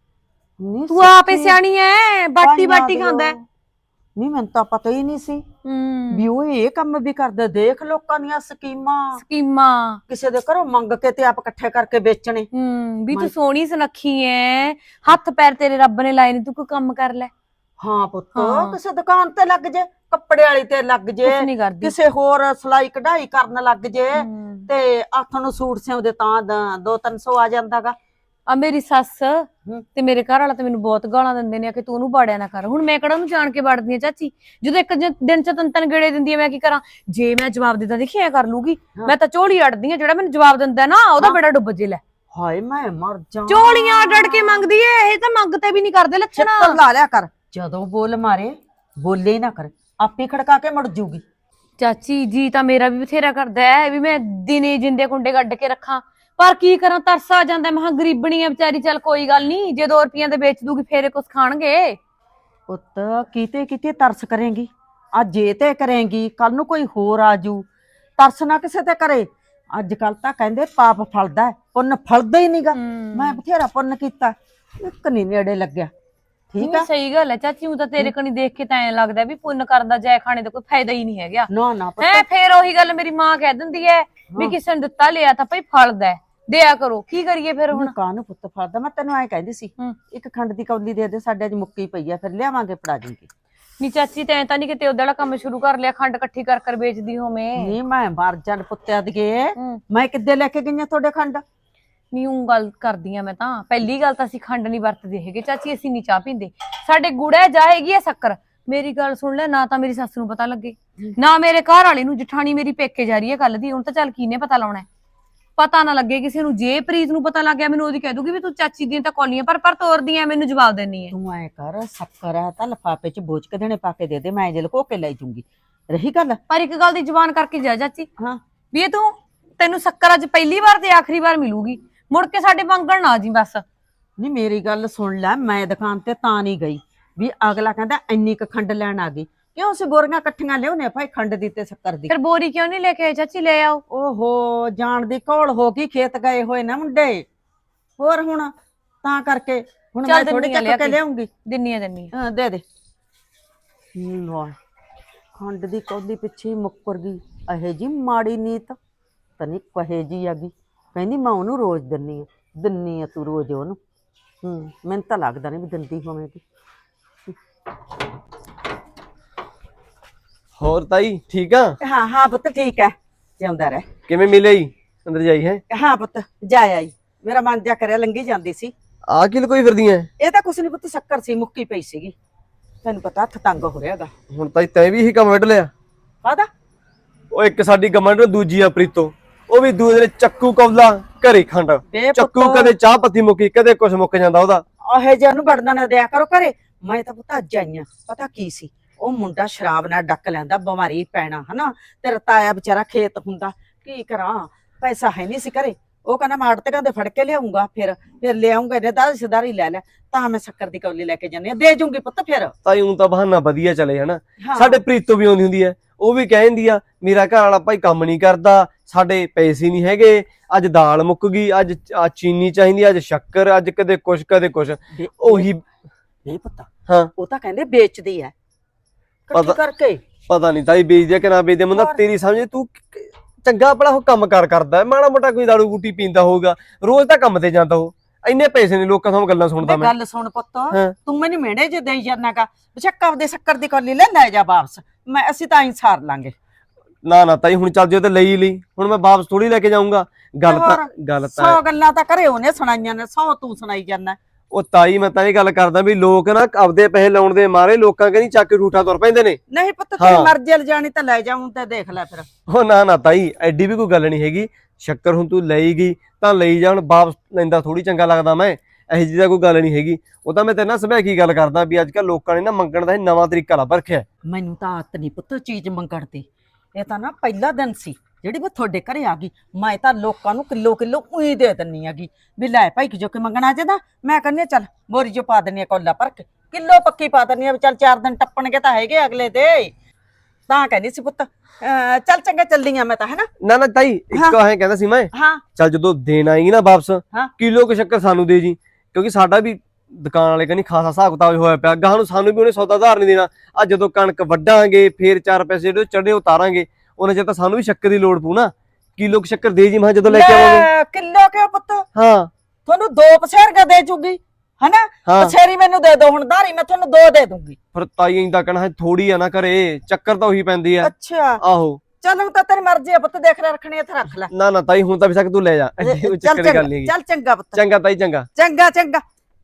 S6: ਨਹੀਂ
S7: ਤੂੰ ਆਪੇ ਸਿਆਣੀ ਐ, ਬਾਟੀ ਬਾਟੀ ਖਾਂਦਾ।
S6: ਨਹੀਂ ਮੈਨੂੰ ਤਾਂ ਪਤਾ ਹੀ ਨਹੀਂ ਸੀ
S7: ਹੂੰ
S6: ਵੀ ਉਹ ਇਹ ਕੰਮ ਵੀ ਕਰਦੇ। ਦੇਖ ਲੋਕਾਂ ਦੀਆਂ ਸਕੀਮਾਂ,
S7: ਸਕੀਮਾਂ
S6: ਕਿਸੇ ਦੇ ਘਰੋਂ ਮੰਗ ਕੇ ਤੇ ਆਪ ਇਕੱਠੇ ਕਰਕੇ ਵੇਚਣੇ।
S7: ਹੂੰ ਵੀ ਤੂੰ ਸੋਹਣੀ ਸੁਨੱਖੀ ਐ, ਹੱਥ ਪੈਰ ਤੇਰੇ ਰੱਬ ਨੇ ਲਾਏ ਨੇ, ਤੂੰ ਕੋਈ ਕੰਮ ਕਰ ਲੈ।
S6: ਹਾਂ ਪੁੱਤ
S7: ਹਾਂ।
S6: ਕਿਸੇ ਦੁਕਾਨ ਤੇ ਲੱਗ ਜੇ, ਕੱਪੜੇ ਵਾਲੀ ਤੇ ਲੱਗ ਜੇ,
S7: ਕੁਛ ਨਹੀਂ ਕਰਦੀ।
S6: ਕਿਸੇ ਹੋਰ ਸਿਲਾਈ ਕਢਾਈ ਕਰਨ ਲੱਗ ਜੇ,
S7: ਹੂੰ।
S6: ਤੇ ਹੱਥ ਨੂੰ ਸੂਟ ਸਿਉਂਦੇ ਤਾਂ ਦ- ਦੋ ਤਿੰਨ ਸੌ ਆ ਜਾਂਦਾਗਾ।
S7: ਆ ਮੇਰੀ ਸੱਸ ਤੇ ਮੇਰੇ ਘਰ ਵਾਲਾ ਤੇ ਮੈਨੂੰ ਬਹੁਤ ਗਾਲਾਂ ਦਿੰਦੇ ਨੇ ਕਿ ਤੂੰ ਉਹਨੂੰ ਬਾੜਿਆ ਨਾ ਕਰ। ਹੁਣ ਮੈਂ ਕਿਹੜਾ ਉਹਨੂੰ ਜਾਣ ਕੇ ਬਾੜਦੀ ਆ ਚਾਚੀ, ਜਦੋਂ ਇੱਕ ਜ- ਦਿਨ ਚ ਤਿੰਨ ਤਿੰਨ ਗੇੜੇ ਦਿੰਦੀ ਆ, ਮੈਂ ਕੀ ਕਰਾਂ? ਜੇ ਮੈਂ ਜਵਾਬ ਦਿੱਤਾ ਦੇਖੀ ਐ ਕਰ ਲੂਗੀ। ਮੈਂ ਤਾਂ ਝੋਲੀ ਅੜਦੀ ਆ, ਜਿਹੜਾ ਮੈਨੂੰ ਜਵਾਬ ਦਿੰਦਾ ਨਾ ਉਹਦਾ ਬੇੜਾ ਡੁੱਬ ਜੇ। ਲੈ
S6: ਹਾਏ ਮੈਂ ਮਰ ਜਾ,
S7: ਝੋਲੀਆਂ ਅੜ ਅੜ ਕੇ ਮੰਗਦੀ ਐ, ਇਹ ਤਾਂ ਮੰਗਤੇ ਵੀ ਨਹੀਂ ਕਰਦੇ ਲੱਛਣ।
S6: ਛਿੱਤਰ ਲਾ ਲਿਆ ਕਰ, ਜਦੋਂ ਬੋਲ ਮਾਰੇ ਬੋਲੇ ਹੀ ਨਾ ਕਰ, ਆਪੇ ਖੜਕਾ ਕੇ ਮੁੜ ਜੂਗੀ।
S7: ਚਾਚੀ ਜੀ ਤਾਂ ਮੇਰਾ ਵੀ ਬਥੇਰਾ ਕਰਦਾ ਹੈ ਵੀ ਮੈਂ ਦਿਨੇ ਜਿੰਦੇ ਕੁੰਡੇ ਕੱਢ ਕੇ ਰੱਖਾਂ, ਪਰ ਕੀ ਕਰਾਂ, ਤਰਸ ਆ ਜਾਂਦਾ। ਮੈਂ ਗਰੀਬਣੀ ਆ ਵਿਚਾਰੀ, ਚੱਲ ਕੋਈ ਗੱਲ ਨਹੀਂ, ਜੇ ਦੋ ਰੁਪਈਆਂ ਦੇ ਵੇਚ ਦੂਗੀ ਫੇਰ ਕੁਛ ਖਾਣਗੇ।
S6: ਪੁੱਤ ਕੀਤੇ ਕੀਤੇ ਤਰਸ ਕਰੇਂਗੀ, ਅੱਜ ਜੇ ਤੇ ਕਰੇਂਗੀ ਕੱਲ ਨੂੰ ਕੋਈ ਹੋਰ ਆਜੂ। ਤਰਸ ਨਾ ਕਿਸੇ ਤੇ ਕਰੇ। ਅੱਜ ਕੱਲ ਤਾਂ ਕਹਿੰਦੇ ਪਾਪ ਫਲਦਾ ਹੈ, ਪੁੰਨ ਫਲਦਾ ਹੀ ਨਹੀਂਗਾ। ਮੈਂ ਬਥੇਰਾ ਪੁੰਨ ਕੀਤਾ, ਇੱਕ ਨਹੀਂ ਨੇੜੇ ਲੱਗਿਆ। ਠੀਕ ਆ,
S7: ਸਹੀ ਗੱਲ ਹੈ ਚਾਚੀ, ਉਹ ਤਾਂ ਤੇਰੇ ਕਣੀ ਦੇਖ ਕੇ ਤਾਂ ਐਂ ਲੱਗਦਾ ਵੀ ਪੁੰਨ ਕਰਦਾ ਜੈ ਖਾਣੇ ਦਾ ਕੋਈ ਫਾਇਦਾ ਹੀ ਨਹੀਂ ਹੈਗਾ।
S6: ਨਾ ਨਾ ਪੁੱਤ,
S7: ਹੈ ਫੇਰ ਉਹੀ ਗੱਲ ਮੇਰੀ ਮਾਂ ਕਹਿ ਦਿੰਦੀ ਹੈ ਵੀ ਕਿਸੇ ਨੇ ਦਿੱਤਾ ਲਿਆ ਤਾਂ ਭਾਈ ਫਲਦਾ, ਦਿਆ ਕਰੋ। ਕੀ ਕਰੀਏ ਫਿਰ ਹੁਣ?
S6: ਕਾਹਨੂੰ ਪੁੱਤ ਫਲਦਾ? ਮੈਂ ਤੈਨੂੰ ਐਂ ਕਹਿੰਦੀ ਸੀ ਇੱਕ ਖੰਡ ਦੀ ਕੌਲੀ ਦੇ ਦੇ, ਸਾਡੇ ਅੱਜ ਮੁੱਕੀ ਪਈ ਆ, ਫਿਰ ਲਿਆਵਾਂਗੇ ਫੜਾ ਜੂਗੀ।
S7: ਨੀ ਚਾਚੀ ਤੈਂ ਤਾਂ ਨਹੀਂ ਕਿਤੇ ਉਹਦਾ ਵਾਲਾ ਕੰਮ ਸ਼ੁਰੂ ਕਰ ਲਿਆ, ਖੰਡ ਇਕੱਠੀ ਕਰ ਕਰ ਵੇਚਦੀ ਹੋਵੇਂ?
S6: ਨਹੀਂ ਮੈਂ ਮਰ ਜਾਣ ਪੁੱਤਿਆ ਦੀਏ, ਮੈਂ ਕਿੱਦੇ ਲੈ ਕੇ ਗਈਆਂ ਤੁਹਾਡੇ ਖੰਡ?
S7: ਨੀ ਉਹ ਗੱਲ ਕਰਦੀ ਆ ਮੈਂ ਤਾਂ। ਪਹਿਲੀ ਗੱਲ ਤਾਂ ਅਸੀਂ ਖੰਡ ਨਹੀਂ ਵਰਤਦੇ ਹੈਗੇ ਚਾਚੀ, ਅਸੀਂ ਨਹੀਂ ਚਾਹ ਪੀਂਦੇ। ਸਾਡੇ ਗੁੜਾ ਜਾਏਗੀ ਆ ਸ਼ੱਕਰ। ਮੇਰੀ ਗੱਲ ਸੁਣ ਲੈ, ਨਾ ਤਾਂ ਮੇਰੀ ਸੱਸ ਨੂੰ ਪਤਾ ਲੱਗੇ, ਨਾ ਮੇਰੇ ਘਰ ਵਾਲੇ ਨੂੰ। ਜਠਾਣੀ ਮੇਰੀ ਪੇਕੇ ਜਾ ਰਹੀ ਹੈ ਕੱਲ ਦੀ, ਹੁਣ ਤਾਂ ਚੱਲ ਕਿਹਨੇ ਪਤਾ ਲਾਉਣਾ, ਪਤਾ ਨਾ ਲੱਗੇ ਕਿਸੇ ਨੂੰ। ਜੇ ਪ੍ਰੀਤ ਨੂੰ ਪਤਾ ਲੱਗ ਗਿਆ, ਮੈਨੂੰ ਉਹਦੀ ਕਹਿ ਦੂਗੀ ਵੀ ਤੂੰ ਚਾਚੀ ਦੀਆਂ ਤਾਂ ਕੌਲੀਆਂ ਪਰ ਪਰ ਤੋਰਦੀਆਂ, ਮੈਨੂੰ ਜਵਾਬ ਦੇਣੀ ਹੈ।
S6: ਤੂੰ ਐ ਕਰ, ਸ਼ੱਕਰ ਆ ਤਾਂ ਲਿਫਾਫੇ ਚ ਬੋਝ ਕੇ ਦੇਣੇ ਪਾ ਕੇ ਦੇ ਦੇ, ਮੈਂ ਜੇ ਲੁਕੋ ਕੇ ਲੈ ਜੂੰਗੀ। ਰਹੀ ਗੱਲ।
S7: ਪਰ ਇੱਕ ਗੱਲ ਦੀ ਜ਼ੁਬਾਨ ਕਰਕੇ ਜਾ ਚਾਚੀ,
S6: ਹਾਂ
S7: ਵੀ ਇਹ ਤੂੰ ਤੈਨੂੰ ਸ਼ੱਕਰ ਅੱਜ ਪਹਿਲੀ ਵਾਰ ਤੇ ਆਖਰੀ ਵਾਰ ਮਿਲੂਗੀ, ਮੁੜ ਕੇ ਸਾਡੇ ਮੰਗਣ ਨਾ ਜੀ ਬਸ।
S6: ਨਹੀਂ ਮੇਰੀ ਗੱਲ ਸੁਣ ਲੈ, ਮੈਂ ਦੁਕਾਨ ਤੇ ਤਾਂ ਨਹੀਂ ਗਈ ਵੀ ਅਗਲਾ ਕਹਿੰਦਾ ਇੰਨੀ ਕ ਖੰਡ ਲੈਣ ਆ ਗਈ। ਕਿਉਂ ਅਸੀਂ ਬੋਰੀਆਂ ਇਕੱਠੀਆਂ ਲਿਆਉਨੇ ਭਾਈ ਖੰਡ ਦੀ ਤੇ ਸ਼ੱਕਰ ਦੀ।
S7: ਫਿਰ ਬੋਰੀ ਕਿਉਂ ਨਹੀਂ ਲੈ ਕੇ ਆਏ ਚਾਚੀ? ਲੈ ਆਓ।
S6: ਓਹੋ ਜਾਣ ਦੀ ਘੋਲ ਹੋ ਗਈ, ਖੇਤ ਗਏ ਹੋਏ ਨਾ ਮੁੰਡੇ ਹੋਰ, ਹੁਣ ਤਾਂ ਕਰਕੇ ਹੁਣ ਮੈਂ ਥੋੜੀ ਚੱਕ ਕੇ ਲਿਆਉਂਗੀ।
S7: ਦਿੰਨੀਆਂ ਦਿੰਨੀਆਂ
S6: ਹਾਂ ਦੇ ਦੇ। ਲੈ ਖੰਡ ਦੀ ਕੌਲੀ ਪਿੱਛੇ ਮੁੱਕਰ ਗਈ, ਇਹੇ ਜੀ ਮਾੜੀ ਨੀਤ ਤਨੀ ਕਹੇ ਜੀ ਆ ਗਈ। ਕਹਿੰਦੀ ਮੈਂ ਉਹਨੂੰ ਰੋਜ਼ ਦਿੰਨੀ ਆ, ਦਿੰਨੀ ਆ ਤੂੰ ਰੋਜ਼ ਉਹਨੂੰ। ਹੂੰ ਮੈਨੂੰ ਤਾਂ ਲੱਗਦਾ ਨਹੀਂ ਵੀ ਦਿੰਦੀ ਹੋਵੇਗੀ।
S3: ਹੋਰ ਤਾਈ ਠੀਕ ਆ?
S6: ਹਾਂ ਹਾਂ ਪੁੱਤ ਠੀਕ ਹੈ, ਜਿਉਂਦਾ ਰਹਿ।
S3: ਕਿਵੇਂ ਮਿਲੇ ਜੀ ਅੰਦਰ ਜਾਈ ਹੈ?
S6: ਹਾਂ ਪੁੱਤ ਜਾ ਆਈ, ਮੇਰਾ ਮਨ ਜਾ ਕਰਿਆ ਲੰਗੀ ਜਾਂਦੀ ਸੀ।
S3: ਆ ਕੀ ਲਕੋਈ ਫਿਰਦੀ ਐ?
S6: ਇਹ ਤਾਂ ਕੁਛ ਨਹੀਂ ਪੁੱਤ, ਸ਼ੱਕਰ ਸੀ ਮੁੱਕੀ ਪਈ ਸੀਗੀ, ਤੈਨੂੰ ਪਤਾ ਹੱਥ ਤੰਗ ਹੋ ਰਿਹਾਗਾ।
S3: ਹੁਣ ਤਾਈ ਤੈਂ ਵੀ ਇਹੀ ਕੰਮ ਵੱਢ ਲਿਆ?
S6: ਕਾਹਦਾ?
S3: ਉਹ ਇੱਕ ਸਾਡੀ ਗਮੰਡ ਦੂਜੀ ਆ ਪ੍ਰੀਤੋ, ਉਹ ਵੀ ਦੂਜੇ ਦਿਨ ਚੱਕੂ ਕੌਲਾ ਘਰੇ ਖੰਡ।
S6: ਬੇ
S3: ਚੱਕੂ
S6: ਪੁੱਤ,
S3: ਕਦੇ ਚਾਹ ਪੱਤੀ ਮੁੱਕੀ, ਕਦੇ ਕੁਛ ਮੁੱਕ ਜਾਂਦਾ ਉਹਦਾ।
S6: ਇਹ ਜਿਹਾ ਨੂੰ ਵੜਨਾ ਨਾ ਦਿਆ ਕਰੋ ਘਰੇ। ਮੈਂ ਤਾਂ ਪੁੱਤ ਅੱਜ ਆਈ ਆਂ, ਪਤਾ ਕੀ ਸੀ, ਉਹ ਮੁੰਡਾ ਸ਼ਰਾਬ ਨਾਲ ਡੱਕ ਲੈਂਦਾ, ਬਿਮਾਰੀ ਪੈਣਾ ਹਨਾ, ਤੇਰਾ ਤਾਇਆ ਵਿਚਾਰਾ ਖੇਤ ਹੁੰਦਾ, ਕੀ ਕਰਾਂ, ਪੈਸਾ ਹੈ ਨਹੀਂ ਸੀ ਘਰੇ। ਉਹ ਕਹਿੰਦਾ ਮੈਂ ਆੜਤੀਆਂ ਦੇ ਫੜ ਕੇ ਲਿਆਉਂਗਾ, ਫਿਰ ਫਿਰ ਲਿਆਉਂਗਾ, ਇਹਨੇ ਦਾਦੀ ਸਿਦਾਰੀ ਲੈ ਲੈ, ਤਾਂ ਮੈਂ ਸ਼ੱਕਰ ਦੀ ਕੌਲੀ ਲੈ ਕੇ ਜਾਂਦੀ ਆ, ਦੇ ਜੂੰਗੀ ਪੁੱਤ ਫਿਰ।
S3: ਤਾਈ ਉਂ ਤਾਂ ਬਹਾਨਾ ਵਧੀਆ ਚਲੇ ਹਨਾ।
S6: ਹਾਂ।
S3: ਸਾਡੇ ਪ੍ਰੀਤੋ ਵੀ ਆਉਂਦੀ ਹੁੰਦੀ ਐ, ਉਹ ਵੀ ਕਹਿ ਦਿੰਦੀ ਆ ਮੇਰਾ ਘਰ ਵਾਲਾ ਭਾਈ ਕੰਮ ਨਹੀਂ ਕਰਦਾ, ਸਾਡੇ ਪੈਸੇ ਨਹੀਂ ਹੈਗੇ, ਅੱਜ ਦਾਲ ਮੁੱਕ ਗਈ, ਅੱਜ ਆ ਚੀਨੀ ਚਾਹੀਦੀ, ਅੱਜ ਸ਼ੱਕਰ, ਅੱਜ ਕਦੇ ਕੁਛ ਕਦੇ ਕੁਛ।
S6: ਬੇ-
S3: ਉਹੀ
S6: ਬੇ ਪੁੱਤ,
S3: ਹਾਂ।
S6: ਉਹ ਤਾਂ ਕਹਿੰਦੇ ਵੇਚਦੀ ਐ ਇਕੱਠੀ
S3: ਪਤਾ-
S6: ਕਰਕੇ।
S3: ਪਤਾ ਨਹੀਂ ਤਾਈ ਵੇਚਦੇ ਆ ਕਿ ਨਾ ਵੇਚਦੇ, ਮੁੰਡਾ
S6: ਹੋਰ।
S3: ਤੇਰੀ ਸਮਝ ਤੂੰ ਕ- ਚੰਗਾ ਭਲਾ ਉਹ ਕੰਮ ਕਾਰ ਕਰਦਾ, ਮਾੜਾ ਮੋਟਾ ਕੋਈ ਦਾਰੂ ਬੂਟੀ ਪੀਂਦਾ ਹੋਊਗਾ, ਰੋਜ਼ ਤਾਂ ਕੰਮ ਤੇ ਜਾਂਦਾ ਉਹ। ਇੰਨੇ ਪੈਸੇ ਨੇ ਲੋਕਾਂ ਤੋਂ ਗੱਲਾਂ ਸੁਣਦਾ
S6: ਬੇ
S3: ਮੈਂ।
S6: ਗੱਲ ਸੁਣ ਪੁੱਤ,
S3: ਹਾਂ।
S6: ਤੂੰ ਮੈਨੂੰ ਮਿਹਣੇ ਜੇ ਦੇਈ ਜਾਨਾਗਾ, ਬਸ਼ੱਕਾ ਦੇ ਸ਼ੱਕਰ ਦੀ ਕੌਲੀ ਲੈ ਲੈ ਜਾ ਵਾਪਸ, ਮੈਂ ਅਸੀਂ ਤਾਂ ਹੀ ਸਾਰ ਲਾਂਗੇ।
S3: ਨਾ ਨਾ ਤਾਈ ਹੁਣ ਚੱਲ ਜਿਓ ਤੇ ਲਈ ਲਈ, ਹੁਣ ਮੈਂ ਵਾਪਸ ਥੋੜੀ ਲੈ ਕੇ ਜਾਊਂਗਾ। ਗੱਲ ਤਾਂ ਗੱਲ ਤਾਂ
S6: ਸੌ ਗੱਲਾਂ ਤਾਂ ਘਰੇ ਉਹਨੇ ਸੁਣਾਈਆਂ ਨੇ, ਸੌ ਤੂੰ ਸੁਣਾਈ ਜਾਂਦਾ।
S3: ਉਹ ਤਾਈ ਮੈਂ ਤਾਂ ਇਹ ਗੱਲ ਕਰਦਾ ਵੀ ਲੋਕ ਨਾ ਆਪਦੇ ਪੈਸੇ ਲਾਉਣ ਦੇ ਮਾਰੇ ਲੋਕਾਂ ਕਹਿੰਦੀ ਚੱਕ ਕੇ ਠੂਠਾ ਤੁਰ ਪੈਂਦੇ ਨੇ।
S6: ਨਹੀਂ ਪੁੱਤ, ਤੇਰੀ
S3: ਹਾਂ।
S6: ਮਰਜ਼ੀ ਲ ਜਾਣੀ ਤਾਂ ਲੈ ਜਾਉਂ, ਤੇ ਦੇਖ ਲੈ ਫਿਰ।
S3: ਉਹ ਨਾ ਨਾ ਤਾਈ ਐਡੀ ਵੀ ਕੋਈ ਗੱਲ ਨਹੀਂ ਹੈਗੀ, ਸ਼ੱਕਰ ਹੁਣ ਤੂੰ ਲਈ ਗਈ ਤਾਂ ਲਈ ਜਾਣ, ਵਾਪਸ ਲੈਂਦਾ ਥੋੜੀ ਚੰਗਾ ਲੱਗਦਾ ਮੈਂ, ਇਹੋ ਜਿਹੀ ਤਾਂ ਕੋਈ ਗੱਲ ਨਹੀਂ ਹੈਗੀ। ਉਹ ਤਾਂ ਮੈਂ ਤੇਰੇ ਨਾਲ ਸਭੈ ਕੀ ਗੱਲ ਕਰਦਾ ਵੀ ਅੱਜ ਕੱਲ ਲੋਕਾਂ ਨੇ ਨਾ ਮੰਗਣ ਦਾ ਇਹ ਨਵਾਂ ਤਰੀਕਾ ਲੱਭ ਰੱਖਿਆ।
S6: ਮੈਨੂੰ ਤਾਂ ਆਦਤ ਨਹੀਂ ਪੁੱਤ ਚੀਜ਼ ਮੰਗਣ ਦੀ, ਇਹ ਤਾਂ ਨਾ ਪਹਿਲਾ ਦਿਨ ਸੀ ਜਿਹੜੀ ਮੈਂ ਤੁਹਾਡੇ ਘਰੇ ਆ ਗਈ। ਮੈਂ ਤਾਂ ਲੋਕਾਂ ਨੂੰ ਕਿਲੋ ਕਿਲੋ ਉਹੀ ਦੇ ਦਿੰਨੀ ਹੈਗੀ ਵੀ ਲੈ ਭਾਈ ਜੋ ਕਿ ਮੰਗਣਾ ਚਾਹਦਾ, ਮੈਂ ਕਹਿੰਦੀ ਚੱਲ ਬੋਰੀ ਜੋ ਪਾ ਦਿੰਨੀ ਆ ਕੋਲਾ ਭਰ ਕੇ, ਕਿਲੋ ਪੱਕੀ ਪਾ ਦਿੰਨੀ ਆ ਵੀ ਚੱਲ ਚਾਰ ਦਿਨ ਟੱਪਣਗੇ ਤਾਂ ਹੈਗੇ ਅਗਲੇ ਦੇ। ਤਾਂ ਕਹਿੰਦੀ ਸੀ ਪੁੱਤ ਅਹ ਚੱਲ ਚੰਗਾ ਚੱਲੀਆਂ ਮੈਂ ਤਾਂ, ਹੈ ਨਾ।
S3: ਨਾ ਨਾ ਤਾਈ ਇੱਕ ਐਂ ਕਹਿੰਦਾ ਸੀ ਮੈਂ,
S6: ਹਾਂ
S3: ਚੱਲ ਜਦੋਂ ਦੇਣ ਆਏਗੀ ਨਾ ਵਾਪਸ,
S6: ਹਾਂ।
S3: ਕਿਲੋ ਕੁ ਸ਼ੱਕਰ ਸਾਨੂੰ ਦੇ ਜੀ, ਕਿਉਂਕਿ ਸਾਡਾ ਵੀ ਦੁਕਾਨ ਵਾਲੇ ਕਹਿੰਦੀ ਖਾਸਾ ਹਿਸਾਬ ਕਿਤਾਬ ਹੋਇਆ ਪਿਆ, ਗਾਹਾਂ ਨੂੰ ਸਾਨੂੰ ਵੀ ਉਹਨੇ ਸੌਦਾ ਉਧਾਰ ਨਹੀਂ ਦੇਣਾ। ਆ ਜਦੋਂ ਕਣਕ ਵੱਢਾਂਗੇ ਫੇਰ ਚਾਰ ਪੈਸੇ ਜਿਹੜੇ ਚੜੇ ਉਤਾਰਾਂਗੇ, ਉਹਨਾਂ ਚਿਰ ਤਾਂ ਸਾਨੂੰ ਵੀ ਸ਼ੱਕਰ ਦੀ ਲੋੜ ਪਊ ਨਾ। ਕਿਲੋ ਕੁ ਸ਼ੱਕਰ ਦੇ ਜੀ ਮੈਂ ਜਦੋਂ ਲੈ ਕੇ ਆਵਾਂਗੇ।
S6: ਲੈ, ਕਿਲੋ ਕਿਉਂ ਪੁੱਤ,
S3: ਹਾਂ
S6: ਤੁਹਾਨੂੰ ਦੋ ਪਸੇਰਗਾ ਦੇ ਜੂਗੀ, ਹਨਾ।
S3: ਹਾਂ
S6: ਪਸੇਰੀ ਮੈਨੂੰ ਦੇ ਦੋ, ਹੁਣ ਧਾਰੀ ਮੈਂ ਤੁਹਾਨੂੰ ਦੋ ਦੇ ਦੂੰਗੀ।
S3: ਫਿਰ ਤਾਈ ਇੰਦਾ ਕਹਿਣਾ ਹੈ ਥੋੜੀ ਆ ਨਾ ਘਰੇ, ਚੱਕਰ ਤਾਂ ਉਹੀ ਪੈਂਦੀ ਆ।
S6: ਅੱਛਾ
S3: ਆਹੋ
S6: ਚੱਲ ਹੁਣ ਤਾਂ ਤੇਰੀ ਮਰਜ਼ੀ ਆ ਪੁੱਤ, ਦੇਖ ਲੈ ਰੱਖਣੀ ਇੱਥੇ ਰੱਖ ਲੈ।
S3: ਨਾ ਨਾ ਤਾਈ ਹੁਣ ਤਾਂ ਵੀ ਸਕ ਤੂੰ ਲੈ ਜਾ, ਐਡੀ ਕੋਈ
S6: ਚੱਲ
S3: ਚੱਕਰ ਦੀ ਗੱਲ
S6: ਚੰਗਾ,
S3: ਨਹੀਂ ਹੈਗੀ।
S6: ਚੱਲ ਚੰਗਾ ਪੁੱਤ,
S3: ਚੰਗਾ ਤਾਈ ਚੰਗਾ।
S6: ਚੰਗਾ ਚੰਗਾ।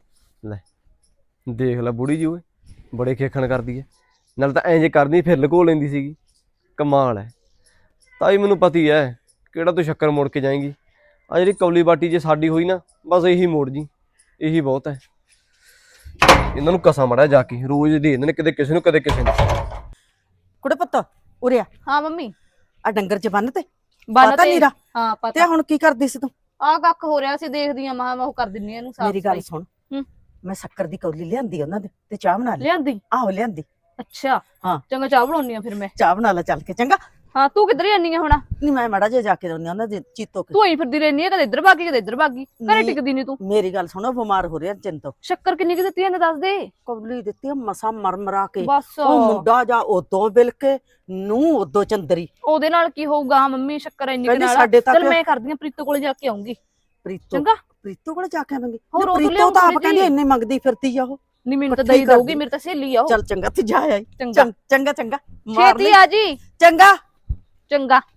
S3: ਦੇਖ ਲੈ ਬੁੜੀ ਜੀ ਓਏ, ਬੜੇ ਖੇਖਣ ਕਰਦੀ ਐ, ਨਾਲ ਤਾਂ ਐਂ ਜੇ ਕਰਦੀ ਫਿਰ ਲੁਕੋ ਲੈਂਦੀ ਸੀਗੀ, ਕਮਾਲ ਐ। ਤਾਈ ਮੈਨੂੰ ਪਤੀ ਐ ਕਿਹੜਾ ਤੂੰ ਸ਼ੱਕਰ ਮੋੜ ਕੇ ਜਾਏਂਗੀ, ਆ ਜਿਹੜੀ ਕੌਲੀ ਬਾਟੀ ਜੇ ਸਾਡੀ ਹੋਈ ਨਾ, ਬਸ ਇਹੀ ਮੋੜ ਜੀ, ਇਹੀ ਬਹੁਤ ਐ। ਇਹਨਾਂ ਨੂੰ ਕਸਾ ਮੜਾ ਜਾ ਕੇ, ਰੋਜ਼ ਦੇ ਦਿੰਦੇ ਨੇ, ਕਦੇ ਕਿਸੇ ਨੂੰ ਕਦੇ ਕਿਸੇ ਨੂੰ।
S6: ਕੁੜੇ ਪੁੱਤ ਉਰੇ ਆ,
S7: ਹਾਂ ਮੰਮੀ
S6: ਆ ਡੰਗਰ ਚ ਬੰਨ ਤੇ
S7: ਬੰਨ
S6: ਪਤਾ
S7: ਤੇ
S6: ਨੀਰਾ
S7: ਹਾਂ
S6: ਤੇ
S7: ਪਤਾ।
S6: ਹੁਣ ਕੀ ਕਰਦੀ ਸੀ ਤੂੰ?
S7: ਆ ਕੱਖ ਹੋ ਰਿਹਾ ਸੀ, ਦੇਖਦੀ ਆ ਮਹਾ ਮੈਂ ਉਹ ਕਰ ਦਿੰਨੀ ਆ ਇਹਨੂੰ ਸਾਫ਼
S6: ਮੇਰੀ ਗੱਲ
S7: ਸਫਾਈ।
S6: ਸੁਣ,
S7: ਹੂੰ।
S6: ਮੈਂ ਸ਼ੱਕਰ ਦੀ ਕੌਲੀ ਲਿਆਂਦੀ ਉਹਨਾਂ ਦੇ ਤੇ ਚਾਹ ਬਣਾ ਲਈ।
S7: ਲਿਆਂਦੀ?
S6: ਆਹੋ ਲਿਆਂਦੀ,
S7: ਅੱਛਾ
S6: ਹਾਂ।
S7: ਚੰਗਾ ਚਾਹ ਬਣਾਉਣੀ ਆ ਫਿਰ ਮੈਂ।
S6: ਚਾਹ ਬਣਾ ਲੈ ਚੱਲ ਕੇ, ਚੰਗਾ।
S7: ਹਾਂ ਤੂੰ ਕਿੱਧਰ ਜਾਨੀ ਆ ਹੁਣ?
S6: ਨਹੀਂ ਮੈਂ ਮਾੜਾ ਜਿਹਾ ਜਾ ਕੇ ਆਉਂਦੀ ਉਹਨਾਂ ਦੇ ਚੀਤੋ ਕੇ।
S7: ਤੂੰ ਹੀ ਫਿਰਦੀ ਰਹਿਨੀ ਆ, ਕਦੇ ਇੱਧਰ ਭਾਗੀ ਕਦੇ ਇੱਧਰ ਭਾਗੀ, ਘਰੇ
S6: ਨਹੀਂ।
S7: ਟਿਕਦੀ ਨਹੀਂ ਤੂੰ।
S6: ਮੇਰੀ ਗੱਲ ਸੁਣੋ, ਬਿਮਾਰ ਹੋ ਰਿਹਾ ਚਿੰਤੋ।
S7: ਸ਼ੱਕਰ ਕਿੰਨੀ ਕਿ ਦਿੱਤੀ ਇਹਨੇ ਦੱਸ ਦੇ।
S6: ਕੌਲੀ ਦਿੱਤੀ ਆ ਮਸਾ ਮਰ ਮਰਾ ਕੇ,
S7: ਬਸ
S6: ਉਹ ਮੁੰਡਾ ਜਾ ਉਦੋਂ ਬਿਲ ਕੇ ਨੂੰ ਉਦੋਂ ਚੰਦਰੀ।
S7: ਉਹਦੇ ਨਾਲ ਕੀ ਹੋਊਗਾ ਮੰਮੀ, ਸ਼ੱਕਰ ਇੰਨੀ ਕੁ
S6: ਕਹਿੰਦੀ
S7: ਨਾਲ।
S6: ਸਾਡੇ ਤੱਕ-
S7: ਚੱਲ ਮੈਂ ਕਰਦੀ ਆ, ਪ੍ਰੀਤੋ ਕੋਲੇ ਜਾ ਕੇ ਆਉਂਗੀ।
S6: ਪ੍ਰੀਤੋ
S7: ਚੰਗਾ।
S6: ਪ੍ਰੀਤੋ ਕੋਲ ਜਾ ਕੇ ਆਵਾਂਗੇ।
S7: ਹੋਰ ਉਹ ਤੋਂ
S6: ਪ੍ਰੀਤੋ
S7: ਲਿਆਊ
S6: ਤਾਂ ਆਪ
S7: ਥੋੜ੍ਹੀ
S6: ਕਹਿੰਦੀ
S7: ਜਿਹੀ।
S6: ਇੰਨੇ ਮੰਗਦੀ ਫਿਰਦੀ ਆ ਉਹ।
S7: ਨਹੀਂ ਮੈਨੂੰ ਤਾਂ
S6: ਪੱਠੀ
S7: ਦਈ ਦਊਗੀ,
S6: ਕਰਦੀ।
S7: ਮੇਰੇ ਤਾਂ ਸਹੇਲੀ ਆ ਉਹ।
S6: ਚੱਲ ਚੰਗਾ ਤੇ ਜਾ ਆਈ।
S7: ਚੰਗਾ
S6: ਚੰਗਾ ਚੰਗਾ ਮਾਰ
S7: ਛੇਤੀ
S6: ਲਈ।
S7: ਆ ਜੀ।
S6: ਚੰਗਾ
S7: ਚੰਗਾ।